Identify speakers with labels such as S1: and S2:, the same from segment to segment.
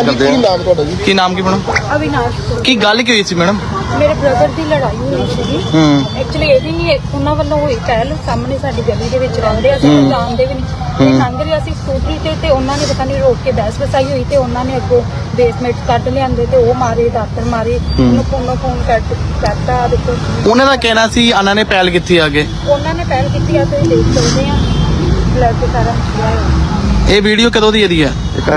S1: ਕਰਦੇ ਆ।
S2: ਕੀ ਨਾਮ ਕੀ ਮੈਡਮ?
S3: ਅਵਿਨਾਸ਼
S2: ਕੀ ਗੱਲ ਕੀ ਹੋਈ ਸੀ ਮੈਡਮ?
S3: ਮੇਰੇ ਬ੍ਰਦਰ ਦੀ ਲੜਾਈ ਹੋਈ ਸੀਗੀ। ਐਕਚੁਅਲੀ ਇਹ ਵੀ ਉਹਨਾਂ ਵੱਲੋਂ ਹੋਈ ਪਹਿਲ। ਸਾਹਮਣੇ ਸਾਡੀ ਗਲੀ ਦੇ ਵਿੱਚ ਰਹਿੰਦੇ ਆ, ਅਸੀਂ ਜਾਣਦੇ ਵੀ ਨਹੀਂ। ਲੰਘ ਰਿਹਾ ਸੀ ਸਕੂਟਰੀ ਤੇ ਉਹਨਾਂ ਨੇ ਪਤਾ ਨਹੀਂ ਰੋਕ ਕੇ ਬਹਿਸ ਵਸਾਈ ਹੋਈ ਤੇ ਉਹਨਾਂ ਨੇ ਅੱਗੋਂ ਬੇਸਮੈਂਟ ਕੱਢ ਲਿਆਂਦੇ ਤੇ ਉਹ ਮਾਰੇ, ਦਾਤਰ ਮਾਰੇ, ਉਹਨੂੰ ਫੋਨ ਕਰਤਾ। ਦੇਖੋ
S2: ਉਹਨਾਂ ਦਾ ਕਹਿਣਾ ਸੀ ਉਹਨਾਂ ਨੇ ਪਹਿਲ ਕੀਤੀ ਆਗੇ,
S3: ਉਹਨਾਂ ਨੇ ਪਹਿਲ ਕੀਤੀ ਆ ਤੇ ਦੇਖ ਸਕਦੇ ਆ ਬਲੱਡ ਸਾਰਾ ਨਿਕਲਿਆ ਹੋਇਆ।
S2: ਇਹ ਵੀਡੀਓ ਕਦੋਂ ਦੀ ਇਹਦੀ ਹੈ?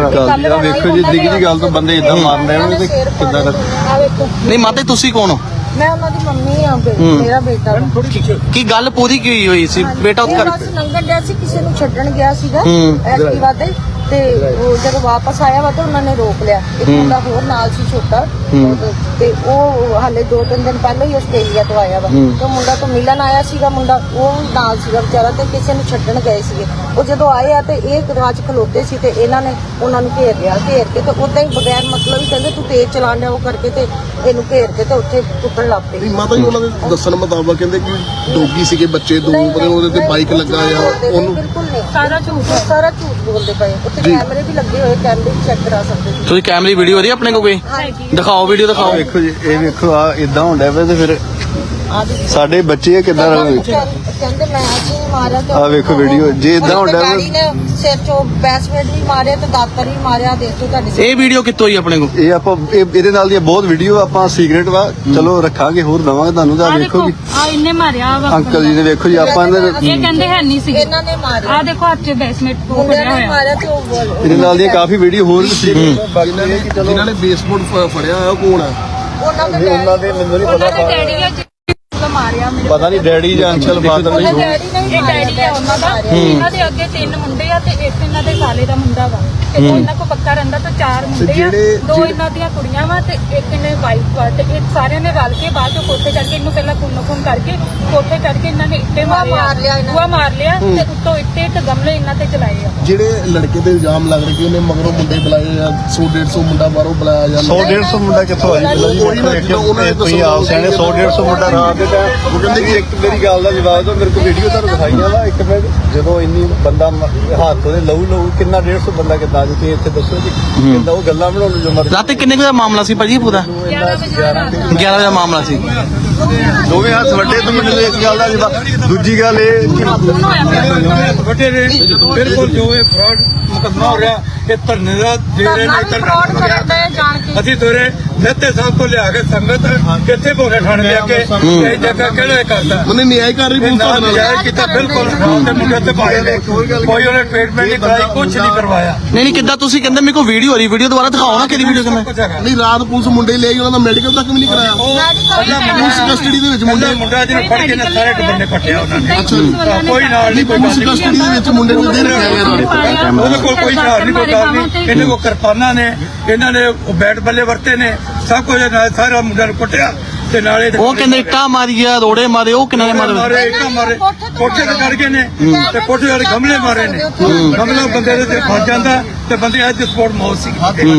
S1: ਵੇਖੋ ਜੀ, ਨਿੱਕੀ ਜਿਹੀ ਗੱਲ ਤੋਂ ਬੰਦੇ ਇਦਾਂ ਮਾਰਦੇ ਆ ਤੇ ਕਿੱਦਾਂ ਦਾ।
S3: ਆ ਵੇਖੋ।
S2: ਨਹੀਂ ਮਾਤੇ ਤੁਸੀਂ ਕੌਣ ਹੋ?
S3: ਮੈਂ ਉਹਨਾਂ ਦੀ ਮੰਮੀ ਆ, ਮੇਰਾ ਬੇਟਾ ਵਾ।
S2: ਕੀ ਗੱਲ ਪੂਰੀ ਕੀ ਹੋਈ ਸੀ? ਬੇਟਾ ਉੱਥੇ
S3: ਬਸ ਲੰਘਣ ਡਿਆ ਸੀ, ਕਿਸੇ ਨੂੰ ਛੱਡਣ ਗਿਆ ਸੀਗਾ ਐਕਟਿਵਾ ਤੇ ਉਹ ਜਦੋਂ ਵਾਪਸ ਆਇਆ ਵਾ ਤਾਂ ਉਹਨਾਂ ਨੇ ਰੋਕ ਲਿਆ। ਇੱਕ ਮੁੰਡਾ ਹੋਰ ਨਾਲ ਸੀ ਛੋਟਾ, ਤੇ ਉਹ ਹਾਲੇ 2-3 ਦਿਨ ਪਹਿਲਾਂ ਹੀ ਆਸਟ੍ਰੇਲੀਆ ਤੋਂ ਆਇਆ ਵਾ। ਤੇ ਮੁੰਡਾ ਤੋਂ ਮਿਲਣ ਆਇਆ ਸੀਗਾ, ਮੁੰਡਾ ਉਹ ਨਾਲ ਸੀਗਾ ਵਿਚਾਰਾ, ਤੇ ਕਿਸੇ ਨੂੰ ਛੱਡਣ ਗਏ ਸੀਗੇ। ਉਹ ਜਦੋਂ ਆਏ ਆ ਤੇ ਇਹ ਦਰਵਾਜ਼ੇ 'ਚ ਖਲੋਤੇ ਸੀ ਤੇ ਇਹਨਾਂ ਨੇ ਉਹਨਾਂ ਨੂੰ ਘੇਰ ਲਿਆ। ਘੇਰ ਕੇ ਤੇ ਉਦਾਂ ਹੀ ਬਗੈਰ ਮਤਲਬ ਹੀ ਕਹਿੰਦੇ ਤੂੰ ਤੇਜ਼ ਚਲਾਣ ਡਿਆ, ਉਹ ਕਰਕੇ ਤੇ ਇਹਨੂੰ ਘੇਰ ਕੇ ਤੇ ਉੱਥੇ ਕੁੱਟਣ ਲੱਗ ਪਏ।
S1: ਮਾਤਾ ਜੀ ਉਹਨਾਂ ਦੇ ਦੱਸਣ ਮੁਤਾਬਕ ਕਹਿੰਦੇ ਕਿ ਡੋਗੀ ਸੀਗੇ ਬੱਚੇ ਦੋ, ਉਹਦੇ ਤੇ ਬਾਈਕ ਲੱਗਾ ਆ ਉਹਨੂੰ।
S3: ਬਿਲਕੁਲ ਨਹੀਂ, ਸਾਰਾ ਝੂਠ ਬੋਲਦੇ ਪਏ। ਉੱਥੇ ਕੈਮਰੇ ਵੀ ਲੱਗੇ ਹੋਏ, ਕੈਮਰੇ ਵੀ ਚੈੱਕ ਕਰਾ ਸਕਦੇ ਹੋ
S2: ਤੁਸੀਂ। ਕੈਮਰੇ ਵੀਡੀਓ ਹੋ ਰਹੀ ਆਪਣੇ ਕੋਲ ਕੋਈ? ਦਿਖਾਓ ਵੀਡੀਓ, ਦਿਖਾਓ।
S1: ਵੇਖੋ ਜੀ, ਇਹ ਵੇਖੋ ਆ ਇਦਾਂ ਹੁੰਦਾ ਵੇ ਤੇ ਫਿਰ ਸਾਡੇ ਬੱਚੇ ਕਿੱਦਾਂ ਰਹਿਣਗੇ।
S3: ਕਹਿੰਦੇ ਮੈਂ ਅੱਜ ਹੀ ਮਾਰਿਆ ਤੇ
S1: ਆ ਵੇਖੋ ਵੀਡੀਓ, ਜੇ ਇਦਾਂ ਹੁੰਦਾ
S3: ਡੈਡੀ ਨੇ ਸਿਰ 'ਚੋਂ ਬੈਸਮੈਂਟ ਵੀ ਮਾਰਿਆ ਤੇ ਦਾਤਰ ਵੀ ਮਾਰਿਆ। ਦੇਖੋ ਤੁਹਾਡੀ
S2: ਇਹ ਵੀਡੀਓ ਕਿੱਥੋਂ ਹੋਈ ਆਪਣੇ ਕੋਲ?
S1: ਇਹ ਆਪਾਂ ਇਹਦੇ ਨਾਲ ਦੀਆਂ ਬਹੁਤ ਵੀਡੀਓ ਆਪਾਂ ਸੀਕ੍ਰੇਟ ਵਾ, ਚਲੋ ਰੱਖਾਂਗੇ, ਹੋਰ ਦਵਾਂਗੇ ਤੁਹਾਨੂੰ। ਤਾਂ ਵੇਖੋ ਜੀ,
S3: ਆ ਇਹਨੇ ਮਾਰਿਆ ਵਾ
S1: ਅੰਕਲ ਜੀ ਨੇ ਵੇਖੋ ਜੀ, ਆਪਾਂ
S3: ਇਹ ਕਹਿੰਦੇ ਹੈ ਨਹੀਂ ਸੀ, ਇਹਨਾਂ ਨੇ ਮਾਰਿਆ। ਆ ਦੇਖੋ ਹੱਥ 'ਚ ਬੈਸਮੈਂਟ ਫੜਿਆ ਹੋਇਆ ਮਾਰਿਆ ਤੇ ਉਹ
S1: ਇਹਦੇ ਨਾਲ ਦੀਆਂ ਕਾਫੀ ਵੀਡੀਓ ਹੋਰ ਵੀ ਸੀ। ਜਿਨ੍ਹਾਂ ਨੇ ਬੇਸਬੋਰਡ ਫੜਿਆ ਹੋਇਆ ਉਹ ਕੌਣ ਆ?
S3: ਉਹਨਾਂ ਦੇ
S1: ਮੈਨੂੰ ਨਹੀਂ ਪਤਾ,
S3: ਡੈਡੀ ਆ ਮਾਰਿਆ ਮੇਰੇ
S1: ਪਤਾ ਨਹੀਂ ਡੈਡੀ ਜਾਂ ਅੰਕਲ ਫਾਦਰ ਨਹੀਂ।
S3: ਡੈਡੀ ਆ ਉਹਨਾਂ ਦਾ। ਇਹਨਾਂ ਦੇ ਅੱਗੇ 3 ਮੁੰਡੇ ਆ ਤੇ ਇੱਕ ਇਹਨਾਂ ਦੇ ਸਾਲੇ ਦਾ ਮੁੰਡਾ ਵਾ ਤੇ ਉਹ ਇਹਨਾਂ ਕੋ ਪੱਕਾ ਰਹਿੰਦਾ ਤੇ 4 ਮੁੰਡੇ ਆ, 2 ਇਹਨਾਂ ਦੀਆਂ ਕੁੜੀਆਂ ਵਾ ਤੇ ਇੱਕ ਇਹਨੇ ਵਾਈਫ ਵਾ। ਤੇ ਇਹ ਸਾਰਿਆਂ ਨੇ ਰਲ ਕੇ ਬਾਅਦ ਚੋਂ ਕੋਠੇ ਚੜ ਕੇ ਇਹਨੂੰ ਪਹਿਲਾਂ ਫੋਨ ਕਰਕੇ ਕੋਠੇ ਚੜ ਕੇ ਇਹਨਾਂ ਨੇ ਇੱਟੇ ਮਾਰ ਲਿਆ ਤੇ ਉੱਤੋਂ ਇੱਟੇ ਤੇ ਗਮਲੇ ਇਹਨਾਂ ਤੇ ਚਲਾਏ ਆ।
S1: ਜਿਹੜੇ ਲੜਕੇ ਤੇ ਇਲਜ਼ਾਮ ਲੱਗ ਰਹੇ ਕਿ ਉਹਨੇ ਮਗਰੋਂ ਮੁੰਡੇ ਬੁਲਾਏ ਆ, 100-150 ਮੁੰਡਾ ਬਾਹਰੋਂ ਬੁਲਾਇਆ ਜਾਂਦਾ।
S4: 100-150 ਮੁੰਡਾ ਕਿੱਥੋਂ ਆ ਜੀ? ਤੁਸੀਂ ਆਪ ਸਿਆਣੇ 100-150 ਮੁੰਡਾ ਰਾਤ ਦੇ
S1: ਉਹ ਕਹਿੰਦੇ ਕਿ
S4: ਇੱਕ ਮੇਰੀ ਗੱਲ ਦਾ ਜਵਾਬ ਦਿਓ। ਮੇਰੇ ਕੋਲ ਵੀਡੀਓ ਤੁਹਾਨੂੰ ਦਿਖਾਈਆਂ ਵਾ। ਇੱਕ ਮਿੰਟ, ਜਦੋਂ ਇੰਨੀ ਬੰਦਾ ਹੱਥ ਉਹਦੇ ਲਹੂ ਕਿੰਨਾ 150 ਬੰਦਾ ਕਿੱਦਾਂ ਤੁਸੀਂ ਇੱਥੇ ਦੱਸੋ ਜੀ ਕਿੱਦਾਂ ਉਹ ਗੱਲਾਂ ਬਣਾਉਣ ਨੂੰ ਜੋ ਮਰਜ਼ੀ।
S2: ਰਾਤੀ ਕਿੰਨੇ ਕੁ ਦਾ ਮਾਮਲਾ ਸੀ ਭਾਜੀ ਪੂਰਾ?
S3: 11
S2: ਵਜੇ ਦਾ ਮਾਮਲਾ ਸੀ।
S4: ਦੋਵੇਂ ਹੱਥ ਵੱਡੇ ਤੋਂ ਮੈਨੂੰ ਇੱਕ ਗੱਲ ਦਾ ਜਵਾਬ। ਦੂਜੀ ਗੱਲ ਇਹ
S5: ਵੱਡੇ ਨੇ ਬਿਲਕੁਲ ਜੋ ਇਹ ਫਰਾਡ ਮੁਕੱਦਮਾ ਹੋ ਰਿਹਾ, ਇਹ ਧਰਨੇ ਦਾ ਦੇ ਰਹੇ ਨੇ। ਅਸੀਂ ਤੋਰੇ ਨਿਹਤੇ ਸਾਹਿਬ ਤੋਂ ਲਿਆ ਕੇ ਸੰਗਤ ਕਿੱਥੇ ਭੋਲੇ ਠਾਣੇ ਦੇ ਅੱਗੇ ਇਹ ਜਗ੍ਹਾ ਕਿਹੜਾ ਕਰਦਾ
S1: ਉਹਨੇ ਨਿਆਂ ਕਰ ਰਹੀ
S5: ਨਾ ਨਜਾਇਜ਼ ਕੀਤਾ। ਬਿਲਕੁਲ ਤੇ ਮੁੰਡੇ ਤੇ ਪਾਏ ਨੇ, ਕੋਈ ਉਹਨੇ ਟ੍ਰੀਟਮੈਂਟ ਨਹੀਂ ਕਰਾਈ, ਕੁਝ ਨਹੀਂ ਕਰਵਾਇਆ।
S2: ਨਹੀਂ ਕਿੱਦਾਂ ਤੁਸੀਂ ਕਹਿੰਦੇ ਮੇਰੇ ਕੋਲ ਵੀਡੀਓ ਹੋ ਰਹੀ, ਵੀਡੀਓ ਦੁਬਾਰਾ ਦਿਖਾਓ ਨਾ ਕਿਹੜੀ ਵੀਡੀਓ ਕਿਵੇਂ?
S1: ਨਹੀਂ, ਰਾਤ ਪੁਲਿਸ ਮੁੰਡੇ ਲੈ ਗਈ, ਉਹਨਾਂ ਦਾ ਮੈਡੀਕਲ ਤੱਕ ਵੀ ਨਹੀਂ ਕਰਾਇਆ। ਪੁਲਿਸ ਕਸਟਡੀ ਦੇ ਵਿੱਚ
S5: ਮੁੰਡਾ ਜਿਹਨੇ ਫੜ ਕੇ ਨੇ ਸਾਰੇ ਟੱਬਰ ਨੇ ਕੱਟਿਆ ਉਹਨਾਂ ਨੇ।
S1: ਅੱਛਾ ਜੀ,
S5: ਕੋਈ ਨਾਲ ਨਹੀਂ, ਕੋਈ
S1: ਪੁਲਿਸ ਕਸਟਡੀ ਦੇ ਵਿੱਚ ਮੁੰਡੇ ਨੂੰ ਦੇ ਰੱਖਿਆ ਗਿਆ।
S5: ਉਹਦੇ ਕੋਲ ਕੋਈ ਹਥਿਆਰ ਨਹੀਂ, ਕੋਈ ਗੱਲ ਨਹੀਂ। ਇਹਨੇ ਕੋਲ ਕਿਰਪਾਨਾਂ ਨੇ, ਇਹਨਾਂ ਨੇ ਬੈਟ ਬੱਲੇ ਵਰਤੇ ਨੇ, ਸਭ ਕੁਝ ਨਾਲ ਸਾਰਾ ਮੁੰਡਾ ਨੂੰ ਕੁੱਟਿਆ ਤੇ ਨਾਲੇ
S2: ਉਹ ਕਹਿੰਦੇ ਇੱਟਾਂ ਮਾਰੀਆਂ, ਰੋੜੇ ਮਾਰੇ, ਉਹ ਕਿੰਨੇ ਮਾਰੇ?
S5: ਇੱਟਾਂ ਮਾਰੇ, ਕੋਠੇ ਤੇ ਚੜ ਗਏ ਨੇ ਤੇ ਕੋਠੇ ਵਾਲੇ ਗਮਲੇ ਮਾਰੇ ਨੇ। ਗਮਲਾ ਬੰਦੇ ਦੇ ਤੇ ਫਸ ਜਾਂਦਾ ਤੇ ਬੰਦੇ ਅੱਜ ਸਪੋਰਟ ਮੌਤ ਸੀ।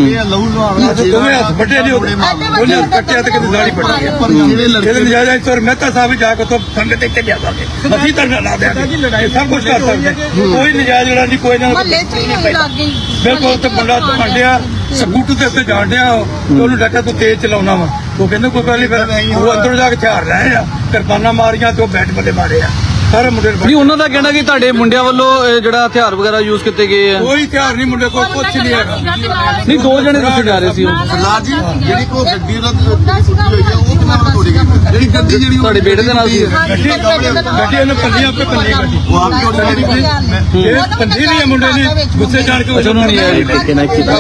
S5: ਦੋਵੇਂ ਹੱਥ ਵੱਡੇ ਨੇ, ਉਹਨੇ ਹੱਥ ਕੱਟਿਆ ਤੇ ਕਿਤੇ ਦਾੜੀ ਪੱਟੀ ਆ। ਜਿਹੜੇ ਨਜਾਇਜ਼ ਸਰ ਮਹਿਤਾ ਸਾਹਿਬ ਜਾ ਕੇ ਤੋਂ ਸੰਗਤ ਇੱਥੇ ਲਿਆਵਾਂਗੇ, ਅਸੀਂ ਤਾਂ ਲਾ ਦਿਆਂਗੇ, ਸਭ ਕੁਝ ਕਰ ਸਕਦੇ। ਕੋਈ ਨਜਾਇਜ਼ ਜਿਹੜਾ ਨਹੀਂ, ਕੋਈ ਨਾ ਬਿਲਕੁਲ। ਤੇ ਮੁੰਡਾ ਮੰਡਿਆ ਸਕੂਟਰ ਦੇ ਉੱਤੇ ਜਾਣ ਡਿਆ, ਉਹਨੂੰ ਡਾਕਾ ਤੂੰ ਤੇਜ਼ ਚਲਾਉਣਾ ਵਾ। ਉਹ ਕਹਿੰਦੇ ਕੋਈ ਗੱਲ ਨਹੀਂ, ਫਿਰ ਉਹ ਅੰਦਰੋਂ ਜਾ ਕੇ ਹਥਿਆਰ ਰਹੇ ਆ, ਕਿਰਪਾਨਾਂ ਮਾਰੀਆਂ ਤੇ ਉਹ ਬੈਟ ਬੱਲੇ ਮਾਰੇ ਆ ਸਾਰੇ ਮੁੰਡੇ
S2: ਨਹੀਂ ਉਹਨਾਂ ਦਾ ਕਹਿਣਾ ਕਿ ਤੁਹਾਡੇ ਮੁੰਡਿਆਂ ਵੱਲੋਂ ਜਿਹੜਾ ਹਥਿਆਰ ਵਗੈਰਾ ਯੂਜ਼ ਕੀਤੇ ਗਏ ਆ।
S5: ਕੋਈ ਹਥਿਆਰ ਨਹੀਂ, ਮੁੰਡੇ ਕੋਲ ਕੁਝ ਨਹੀਂ ਹੈਗਾ।
S2: ਨਹੀਂ 2 ਜਣੇ ਤੁਸੀਂ ਜਾ ਰਹੇ ਸੀ
S1: ਸਰਦਾਰ ਜੀ, ਜਿਹੜੀ ਕੋ ਗੱਡੀ ਦਾ ਉਹ ਕਿੰਨਾ ਤੋੜੀ ਗਈ? ਜਿਹੜੀ ਗੱਡੀ ਜਿਹੜੀ
S2: ਤੁਹਾਡੇ ਬੇਟੇ ਦੇ ਨਾਲ ਸੀ?
S5: ਗੱਡੀ ਉਹਨੇ ਪੱਲੀ ਆਪੇ ਪੱਲੀ ਗੱਡੀ
S1: ਉਹ ਆਪ ਹੀ ਉੱਡ ਗਈ।
S5: ਇਹ ਪੰਜੀ ਵੀ ਮੁੰਡੇ ਨੇ ਗੁੱਸੇ ਜਾਣ ਕੇ
S2: ਉਹਨਾਂ ਨੇ ਇਹ ਟੇਕੇ ਨਾਲ ਕੀਤਾ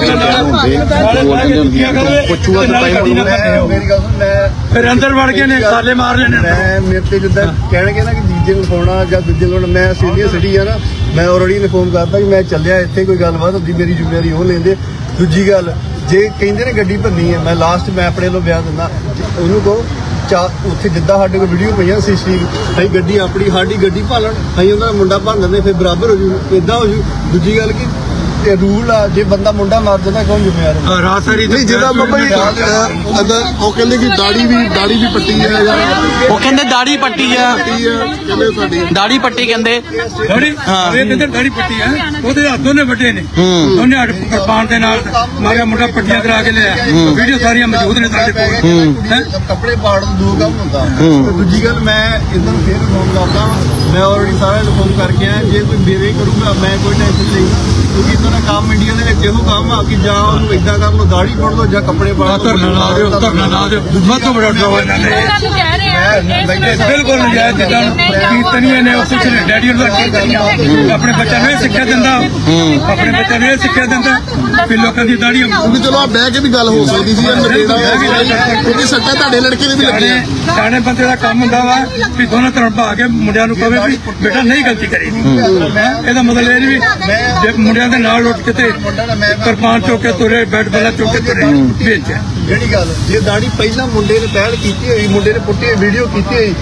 S5: ਪੁੱਛੂਆ ਤਾਂ ਪਾਈ
S4: ਮੇਰੀ ਗੱਲ ਸੁਣ, ਮੈਂ
S5: ਫਿਰ ਅੰਦਰ ਵੜ ਗਏ ਨੇ, ਸਾਲੇ ਮਾਰ ਲੈਣੇ।
S4: ਮੈਂ ਮੇਰੇ ਤੇ ਜਿੱਦਾਂ ਕਹਿਣਗੇ ਨਾ ਕਿ ਦੂਜੇ ਨੂੰ ਫੋਨਾ ਜਾਂ ਦੂਜੇ ਨੂੰ, ਮੈਂ ਸੀਨੀਅਰ ਸਿਟੀ ਆ ਨਾ, ਮੈਂ ਆਲਰੇਡੀ ਇਨਫੋਰਮ ਕਰਤਾ ਕਿ ਮੈਂ ਚੱਲਿਆ ਇੱਥੇ, ਕੋਈ ਗੱਲਬਾਤ ਹੁੰਦੀ ਮੇਰੀ ਜ਼ਿੰਮੇਵਾਰੀ ਉਹ ਲੈਂਦੇ। ਦੂਜੀ ਗੱਲ, ਜੇ ਕਹਿੰਦੇ ਨੇ ਗੱਡੀ ਭੰਨੀ ਹੈ, ਮੈਂ ਲਾਸਟ ਮੈਂ ਆਪਣੇ ਵੱਲੋਂ ਬਿਆਨ ਦਿੰਦਾ, ਉਹਨੂੰ ਕਹੋ ਉੱਥੇ ਜਿੱਦਾਂ ਸਾਡੇ ਕੋਲ ਵੀਡੀਓ ਪਈਆਂ ਸੀਸੀ, ਅਸੀਂ ਗੱਡੀ ਆਪਣੀ ਸਾਡੀ ਗੱਡੀ ਭਾਲਣ, ਅਸੀਂ ਉਹਨਾਂ ਦਾ ਮੁੰਡਾ ਭੰਨ ਦਿੰਦੇ, ਫਿਰ ਬਰਾਬਰ ਹੋ ਜੂ, ਇਦਾਂ ਹੋ ਜੂ। ਦੂਜੀ ਗੱਲ ਕਿ ਇਹ ਰੂਲ ਆ, ਜੇ ਬੰਦਾ ਮੁੰਡਾ ਮਾਰ ਜਾਂਦਾ ਕੌਣ ਜ਼ਿੰਮੇਵਾਰ ਹੈ?
S5: ਰਾਤ ਸਾਰੀ
S1: ਨਹੀਂ ਜਿਹਦਾ ਬਾਬਾ ਜੀ ਉਹ ਕਹਿੰਦੇ ਕਿ ਦਾੜੀ ਵੀ ਪੱਟੀ ਹੈ ਜਾਂ
S2: ਉਹ ਕਹਿੰਦੇ ਦਾੜੀ ਪੱਟੀ ਆ,
S1: ਪੱਟੀ ਹੈ ਕਹਿੰਦੇ ਸਾਡੀ
S2: ਦਾੜੀ ਪੱਟੀ ਕਹਿੰਦੇ।
S5: ਦਾੜੀ
S2: ਹਾਂ।
S5: ਇਹ ਕਹਿੰਦੇ ਦਾੜੀ ਪੱਟੀ ਆ, ਉਹਦੇ ਹੱਥ ਦੋਨੇ ਵੱਡੇ ਨੇ, ਦੋਨੇ ਹੱਥ ਕਿਰਪਾਨ ਦੇ ਨਾਲ ਮਾਰਿਆ, ਮੁੰਡਾ ਪੱਟੀਆਂ ਕਰਾ ਕੇ ਲਿਆ। ਵੀਡੀਓ ਸਾਰੀਆਂ ਮੌਜੂਦ ਨੇ ਸਾਡੇ ਕੋਲ।
S4: ਕੱਪੜੇ ਪਾੜ ਤੋਂ ਦੂਰ ਕੰਮ ਹੁੰਦਾ। ਤੇ ਦੂਜੀ ਗੱਲ ਮੈਂ ਇਹਨਾਂ ਨੂੰ ਫੇਰ ਫੋਨ ਕਰਦਾ, ਮੈਂ ਆਲਰੇਡੀ ਸਾਰਿਆਂ ਨੂੰ ਫੋਨ ਕਰਕੇ ਆਇਆ, ਜੇ ਕੋਈ ਬੇਵੇ ਕਰੂਗਾ ਮੈਂ ਕੋਈ ਟੈਨਸ਼ਨ ਨਹੀਂ, ਕਿਉਂਕਿ ਇਹਨਾਂ ਦਾ ਕੰਮ ਇੰਡੀਆ ਦੇ ਵਿੱਚ ਇਹੋ ਕੰਮ ਆ ਕਿ ਜਾਂ ਉਹਨੂੰ ਏਦਾਂ ਕਰ ਲਓ ਦਾੜੀ ਪੜ ਲਓ ਜਾਂ ਕੱਪੜੇ ਪਾੜ ਲਓ।
S5: ਧਰਨਾ ਲਾ ਦਿਓ, ਧਰਨਾ ਲਾ ਦਿਓ, ਸਭ ਤੋਂ ਬੜਾ ਡਰਾਵਾ ਇਹਨਾਂ ਨੇ ਬਿਲਕੁਲ ਨਜਾਇਜ਼ ਜਿੱਦਾਂ ਕੀਰਤਨੀਆਂ ਨੇ ਉਹ ਕੁਛ ਨੇ ਡੈਡੀ ਨੂੰ ਆਪਣੇ ਬੱਚਿਆਂ ਨੂੰ ਇਹ ਸਿੱਖਿਆ ਦਿੰਦਾ, ਆਪਣੇ ਬੱਚਿਆਂ ਨੂੰ ਇਹ ਸਿੱਖਿਆ ਦਿੰਦਾ ਵੀ ਲੋਕਾਂ ਦੀ ਦਾੜੀ
S1: ਕਿਉਂਕਿ ਚਲੋ ਆ ਬਹਿ ਕੇ ਵੀ ਗੱਲ ਹੋ ਸਕਦੀ ਸੀ ਨਵੇੜਾ ਕਿਉਂਕਿ ਸੱਟਾਂ ਤੁਹਾਡੇ ਲੜਕੇ ਦੇ ਵੀ ਲੱਗੀਆਂ।
S5: ਸਿਆਣੇ ਬੰਦੇ ਦਾ ਕੰਮ ਹੁੰਦਾ ਵਾ ਵੀ ਦੋਨੋਂ ਤਰ੍ਹਾਂ ਭਾ ਕੇ ਮੁੰਡਿਆਂ ਨੂੰ ਕਹੇ ਵੀ ਬੇਟਾ ਨਹੀਂ ਗਲਤੀ ਕਰੀ। ਇਹਦਾ ਮਤਲਬ ਇਹ ਨਹੀਂ ਵੀ ਜੇ ਮੁੰਡਿਆਂ ਦੇ ਨਾਲ ਉੱਠ ਕੇ ਤੇ ਕਿਰਪਾਨ ਚੁੱਕ ਕੇ ਤੁਰੇ, ਬੈਟ ਬੱਲਾ ਚੁੱਕ ਕੇ ਤੁਰੇ ਵਿੱਚ।
S4: ਜਿਹੜੀ ਗੱਲ ਜੇ ਦਾੜੀ ਪਹਿਲਾਂ ਮੁੰਡੇ ਨੇ ਪਹਿਲ ਕੀਤੀ ਹੋਈ, ਮੁੰਡੇ ਨੇ ਪੁੱਟੀ ਹੋਈ ਵੀਡੀਓ ਕੀਤੀ ਹੋਈ,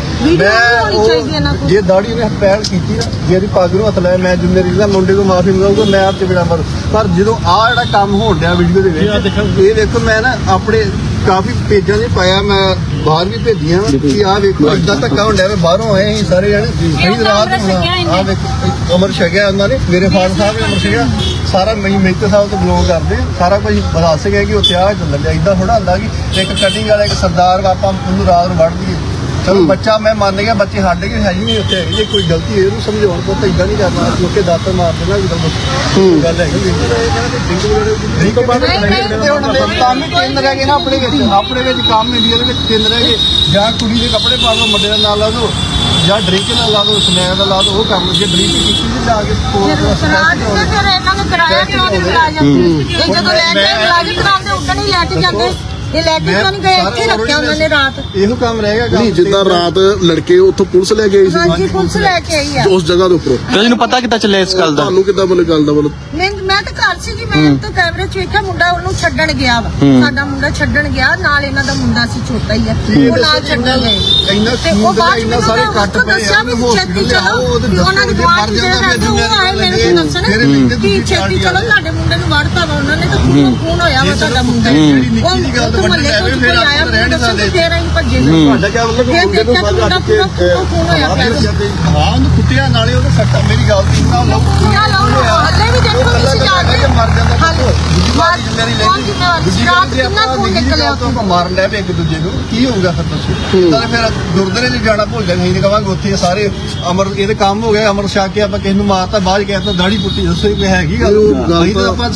S4: ਜੇ ਦਾੜੀ ਨੇ ਪਹਿਲ ਕੀਤੀ ਨਾ, ਜੇ ਇਹਦੀ ਪੱਗ ਨੂੰ ਹੱਥ ਲਾਇਆ, ਮੈਂ ਜ਼ਿੰਮੇਵਾਰੀ ਦਾ ਮੁੰਡੇ ਤੋਂ ਮਾਫੀ ਮੰਗਾਊਗਾ, ਮੈਂ ਆਪ ਤੇ ਬਿਨਾ ਮਰ। ਪਰ ਜਦੋਂ ਆਹ ਜਿਹੜਾ ਕੰਮ ਹੋਣ ਡਿਆ ਵੀਡੀਓ ਦੇ ਵਿੱਚ, ਇਹ ਦੇਖੋ ਮੈਂ ਨਾ ਆਪਣੇ ਕਾਫੀ ਪੇਜਾਂ 'ਚ ਪਾਇਆ, ਮੈਂ ਬਾਹਰ ਵੀ ਭੇਜੀਆਂ ਕਿ ਆਹ ਵੇਖੋ ਏਦਾਂ ਧੱਕਾ ਹੋਣ ਡਿਆ, ਬਾਹਰੋਂ ਆਏ ਅਸੀਂ ਸਾਰੇ ਜਣੇ, ਅਸੀਂ ਰਾਤ ਨੂੰ ਆਹ ਵੇਖੋ ਅਮਰ ਛਕਿਆ ਉਹਨਾਂ ਨੇ, ਮੇਰੇ ਫਾਦਰ ਸਾਹਿਬ ਨੇ ਅਮਰ ਛਕਿਆ, ਸਾਰਾ ਮੇਜਰ ਸਾਹਿਬ ਤੋਂ ਬਿਲੋਂਗ ਕਰਦੇ, ਸਾਰਾ ਕੁਝ ਦੱਸ ਗਿਆ ਕਿ ਉੱਥੇ ਆਹ ਚੱਲਣ ਡਿਆ। ਏਦਾਂ ਥੋੜਾ ਹੁੰਦਾ ਕਿ ਇੱਕ ਕਟਿੰਗ ਵਾਲਾ ਇੱਕ ਸਰਦਾਰ ਆਪਾਂ ਉਹਨੂੰ ਰਾਤ ਨੂੰ ਵੱਢ ਦਈਏ। ਚਲੋ ਬੱਚਾ ਮੈਂ ਮੰਨ ਗਿਆ, ਬੱਚੇ ਸਾਡੇ ਕੇ ਹੈ ਹੀ ਨਹੀਂ ਉੱਥੇ, ਜੇ ਕੋਈ ਗਲਤੀ ਹੈ ਇਹਨੂੰ ਸਮਝਾਉਣ ਪੁੱਤ ਏਦਾਂ ਨਹੀਂ ਕਰਨਾ, ਲੋਕੇ ਦਾਤਰ ਮਾਰ ਦੇਣਾ ਗੱਲ ਹੈਗੀ। ਨਹੀਂ ਤੋਂ ਬਾਅਦ ਕੰਮ ਹੀ ਤਿੰਨ ਰਹਿ ਗਏ ਨਾ ਆਪਣੇ ਵਿੱਚ ਕੰਮ ਇੰਡੀਆ ਦੇ ਵਿੱਚ ਤਿੰਨ ਰਹਿ ਗਏ, ਜਾਂ ਕੁੜੀ ਦੇ ਕੱਪੜੇ ਪਾ ਲਓ, ਮੁੰਡੇ ਦਾ ਨਾਂ ਲਾ ਦਿਓ, ਜਾਂ ਡਰਿੰਕ ਨਾਲ ਲਾ ਦਿਓ, ਸਮੈਕ ਦਾ ਲਾ ਦਿਓ, ਉਹ ਕੰਮ ਜੇ ਡਰਿੰਕ ਕੀਤੀ ਸੀ ਜਾ ਕੇ ਸਪੋਰਟ
S3: ਫਿਰ ਇਹਨਾਂ ਨੇ ਕਰਾਇਆ ਕਿ ਉਹਨੇ ਮੁਲਾਜ਼ਮ ਇਹ ਜਦੋਂ ਲੈ ਕੇ ਮੁਲਾਜ਼ਮ ਕਰਾਉਂਦੇ ਉਦੋਂ ਹੀ ਲੈ ਕੇ ਜਾਂਦੇ, ਇਹ ਲੈ ਕੇ ਕਿਉਂ ਨਹੀਂ ਗਏ? ਇੱਥੇ ਰੱਖਿਆ ਉਹਨਾਂ ਨੇ ਰਾਤ।
S4: ਇਹੋ ਕੰਮ ਰਹਿ ਗਿਆ।
S1: ਨਹੀਂ ਜਿੱਦਾਂ ਰਾਤ ਲੜਕੇ ਉੱਥੋਂ ਪੁਲਿਸ ਲੈ ਕੇ ਆਈ ਸੀ
S3: ਹਾਂਜੀ ਪੁਲਿਸ ਲੈ ਕੇ ਆਈ ਆ
S1: ਉਸ ਜਗ੍ਹਾ ਦੇ ਉੱਪਰੋਂ,
S2: ਤੈਨੂੰ ਪਤਾ ਕਿੱਦਾਂ ਚੱਲਿਆ ਇਸ ਗੱਲ ਦਾ?
S1: ਤੁਹਾਨੂੰ ਕਿੱਦਾਂ ਮਤਲਬ ਗੱਲ ਦਾ ਮਤਲਬ
S3: ਮੈਂ ਤਾਂ ਘਰ ਸੀਗੀ, ਮੈਂ ਤਾਂ ਕੈਮਰੇ 'ਚ ਵੇਖਿਆ ਮੁੰਡਾ ਉਹਨੂੰ ਛੱਡਣ ਗਿਆ ਵਾ, ਸਾਡਾ ਮੁੰਡਾ ਛੱਡਣ ਗਿਆ, ਨਾਲ ਇਹਨਾਂ ਦਾ ਮੁੰਡਾ ਸੀ ਛੋਟਾ ਹੀ ਆ, ਉਹ ਨਾਲ ਛੱਡਣ ਗਏ ਤੇ ਉਹ ਬਾਅਦ
S4: ਇੰਨਾ ਸਾਰੇ ਕੱਟ ਪਏ
S3: ਦੱਸਿਆ ਵੀ ਛੇਤੀ ਚਲੋ, ਵੀ ਉਹਨਾਂ ਦੀ ਗਵਾਂਢ ਜਿਹੜੇ ਰਹਿੰਦੇ ਉਹ ਆਏ ਮੈਨੂੰ ਕੋਈ ਦੱਸਣ ਕਿ ਛੇਤੀ ਚਲੋ ਤੁਹਾਡੇ ਮੁੰਡੇ ਨੂੰ ਵੜਤਾ ਵਾ ਉਹਨਾਂ ਨੇ, ਤਾਂ ਖੂਨ ਹੋਇਆ ਵਾ ਤੁਹਾਡਾ ਮੁੰਡਾ, ਉਹ ਮਹੱਲੇ ਤੋਂ ਕੋਈ ਆਇਆ ਮੈਨੂੰ ਦੱਸਣ ਤੇ ਫੇਰ ਅਸੀਂ ਭੱਜੇ
S4: ਤੁਹਾਡਾ ਕਿਆ ਮਤਲਬ ਕਿ ਮੁੰਡੇ ਨੂੰ ਫੜ ਕੇ
S3: ਖੂਨ ਹੋਇਆ ਪਿਆ
S4: ਹਾਂ ਉਹਨੂੰ ਕੁੱਟਿਆ, ਨਾਲੇ ਉਹਦੇ ਸੱਟਾ, ਮੇਰੀ ਗੱਲ ਦੀ ਨਾ ਲਓ
S3: ਹੱਲੇ ਵੀ ਦੇਖੋ ਤੁਸੀਂ ਜਾ ਕੇ
S4: ਮਰ ਜਾਂਦਾ
S3: ਮੇਰੀ ਰਾਤ ਕਿੰਨਾ ਖੂਨ ਨਿਕਲਿਆ ਉੱਥੋਂ।
S4: ਮਾਰਨ ਲੈ ਪਏ ਇੱਕ ਦੂਜੇ ਨੂੰ, ਕੀ ਹੋਊਗਾ ਫਿਰ ਦੱਸੋ? ਤਾਂ ਫਿਰ ਗੁਰਦੁਆਰੇ 'ਚ ਜਾਣਾ ਭੁੱਲ ਜਾਂਦੇ, ਨਹੀਂ ਕਹਾਂਗੇ ਉੱਥੇ ਸਾਰੇ ਅਮਰ ਇਹਦੇ ਕੰਮ ਹੋ ਗਿਆ, ਅਮਰ ਛਕ ਕੇ ਆਪਾਂ ਕਿਸੇ ਨੂੰ ਮਾਰਤਾ, ਬਾਅਦ ਕਹਿੰਦਾ ਦਾੜੀ ਪੁੱਟੀ, ਦੱਸੋ ਇਹ ਹੈਗੀ ਗੱਲ? ਅਸੀਂ ਤਾਂ ਆਪਾਂ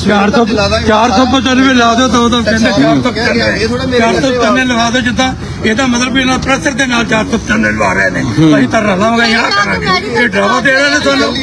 S5: 495 ਲਾ ਦਿਓ, ਤਾਂ ਕਹਿੰਦੇ 495
S4: ਇਹ ਥੋੜਾ ਮੇਰੇ
S5: 495 ਲਵਾ ਦਿਓ, ਜਿੱਦਾਂ ਇਹਦਾ ਮਤਲਬ ਇਹਨਾਂ ਪ੍ਰੈਸ਼ਰ ਦੇ ਨਾਲ 495 ਲਵਾ ਰਹੇ ਨੇ। ਅਸੀਂ ਤਾਂ ਰਲਾਂਗੇ ਯਾਰ ਕਰਾਂਗੇ, ਇਹ ਡਰਾਵਾ ਦੇ ਰਹੇ ਨੇ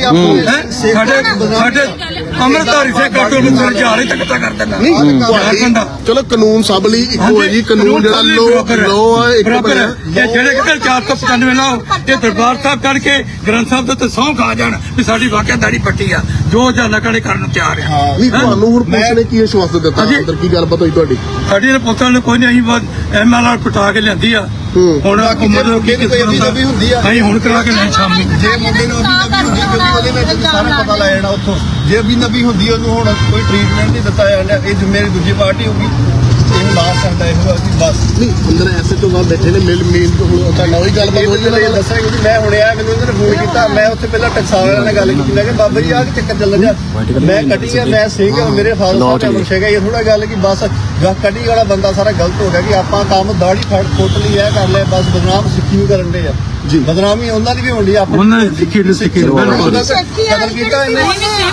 S5: ਤੁਹਾਨੂੰ। ਸਾਡੇ ਅੰਮ੍ਰਿਤਧਾਰੀ ਸੇ ਕਾਟੋ ਨੂੰ ਫਿਰ ਜਾਲੇ ਤੱਕ ਕਰ ਦੇਣਾ।
S1: ਚਲੋ ਕਾਨੂੰਨ ਸਭ ਲਈ ਇੱਕੋ ਹੈ ਜੀ, ਕਾਨੂੰਨ ਜਿਹੜਾ ਲੋ ਹੈ ਇੱਕ ਬਣਿਆ।
S5: ਇਹ ਜਿਹੜੇ ਕਿਤੇ 495 ਲਾਓ, ਇਹ ਦਰਬਾਰ ਸਾਹਿਬ ਕਰਕੇ ਗ੍ਰੰਥ ਸਾਹਿਬ ਦੇ ਉੱਤੇ ਸਹੁੰ ਖਾ ਜਾਣ ਵੀ ਸਾਡੀ ਵਾਕਿਆ ਦਾੜੀ ਪੱਟੀ ਆ, ਜੋ ਜਾਨਾ ਕੜੇ ਕਰਨ ਨੂੰ ਤਿਆਰ ਆ।
S1: ਨਹੀਂ ਤੁਹਾਨੂੰ ਹੁਣ ਪੁਲਿਸ ਨੇ ਕੀ ਵਿਸ਼ਵਾਸ ਦਿੱਤਾ, ਅੰਦਰ ਕੀ ਗੱਲਬਾਤ ਹੋਈ ਤੁਹਾਡੀ?
S5: ਸਾਡੀ ਨੇ ਪੁੱਤਾਂ ਨੂੰ ਕੋਈ ਨਹੀਂ, ਅਸੀਂ ਐਮਐਲਆਰ ਪਟਾ ਕੇ ਲਿਆਂਦੀ ਆ, ਹੁਣ ਮਤਲਬ ਕੀ ਅਸੀਂ ਹੁਣ ਕਰਾ ਕੇ ਲੈ ਸ਼ਾਮੀ।
S4: ਜੇ ਮੁੰਡੇ ਨੂੰ ਅਭੀ ਨਬੀ ਹੁੰਦੀ, ਕਿਉਂਕਿ ਉਹਦੇ ਵਿੱਚ ਸਾਰਾ ਪਤਾ ਲੱਗ ਜਾਣਾ ਉੱਥੋਂ, ਜੇ ਅਭੀ ਨਬੀ ਹੁੰਦੀ ਉਹਨੂੰ ਹੁਣ ਕੋਈ ਟ੍ਰੀਟਮੈਂਟ ਨਹੀਂ ਦਿੱਤਾ ਜਾਂਦਾ, ਇਹ ਜ਼ਿੰਮੇਵਾਰੀ ਦੂਜੀ ਪਾਰਟੀ ਹੋਊਗੀ, ਇਹ ਲਾਸਟ ਕਰਦਾ ਇਹੋ ਅਸੀਂ ਬਸ।
S1: ਨਹੀਂ ਅੰਦਰ ਐਸੇ ਤੋਂ ਬਾਅਦ ਬੈਠੇ ਨੇ ਮੇਨ ਹੁਣ ਤੁਹਾਡਾ ਉਹੀ ਗੱਲਬਾਤ ਹੋਈ ਹੈ।
S4: ਦੱਸਾਂਗੇ ਕਿ ਮੈਂ ਹੁਣੇ ਆਇਆ, ਮੈਨੂੰ ਇਹਨਾਂ ਨੇ ਫੋਨ ਕੀਤਾ, ਮੈਂ ਉੱਥੇ ਪਹਿਲਾਂ ਟਕਸਾਲ ਵਾਲਿਆਂ ਨਾਲ ਗੱਲ ਕੀਤੀ, ਮੈਂ ਕਿਹਾ ਬਾਬਾ ਜੀ ਆਹ ਕਿ ਚੱਕਰ ਚੱਲ ਰਿਹਾ, ਮੈਂ ਕਟਿੰਗ ਆ, ਮੈਂ ਸਿੰਘ ਆ, ਮੇਰੇ ਫਾਦਰ ਸਾਹਿਬ ਨੇ ਮੁਰਸ਼ੇਗਾ, ਇਹ ਥੋੜਾ ਗੱਲ ਕਿ ਬਸ ਕਟਿੰਗ ਵਾਲਾ ਬੰਦਾ ਸਾਰਾ ਗਲਤ ਹੋ ਗਿਆ ਕਿ ਆਪਾਂ ਕੰਮ ਦਾੜੀ ਫੁੱਟ ਲਈ ਇਹ ਕਰ ਲਿਆ, ਬਸ ਬਦਨਾਮ ਸਿੱਖੀ ਨੂੰ ਕਰਨ ਦੇ ਆ ਜੀ, ਬਦਨਾਮੀ ਉਹਨਾਂ ਦੀ ਵੀ ਹੁੰਦੀ ਆ,
S5: ਉਹਨਾਂ ਦੀ ਸਿੱਖੀ ਬਿਲਕੁਲ
S4: ਕਦਰ ਕੀਤਾ ਇਹਨੇ।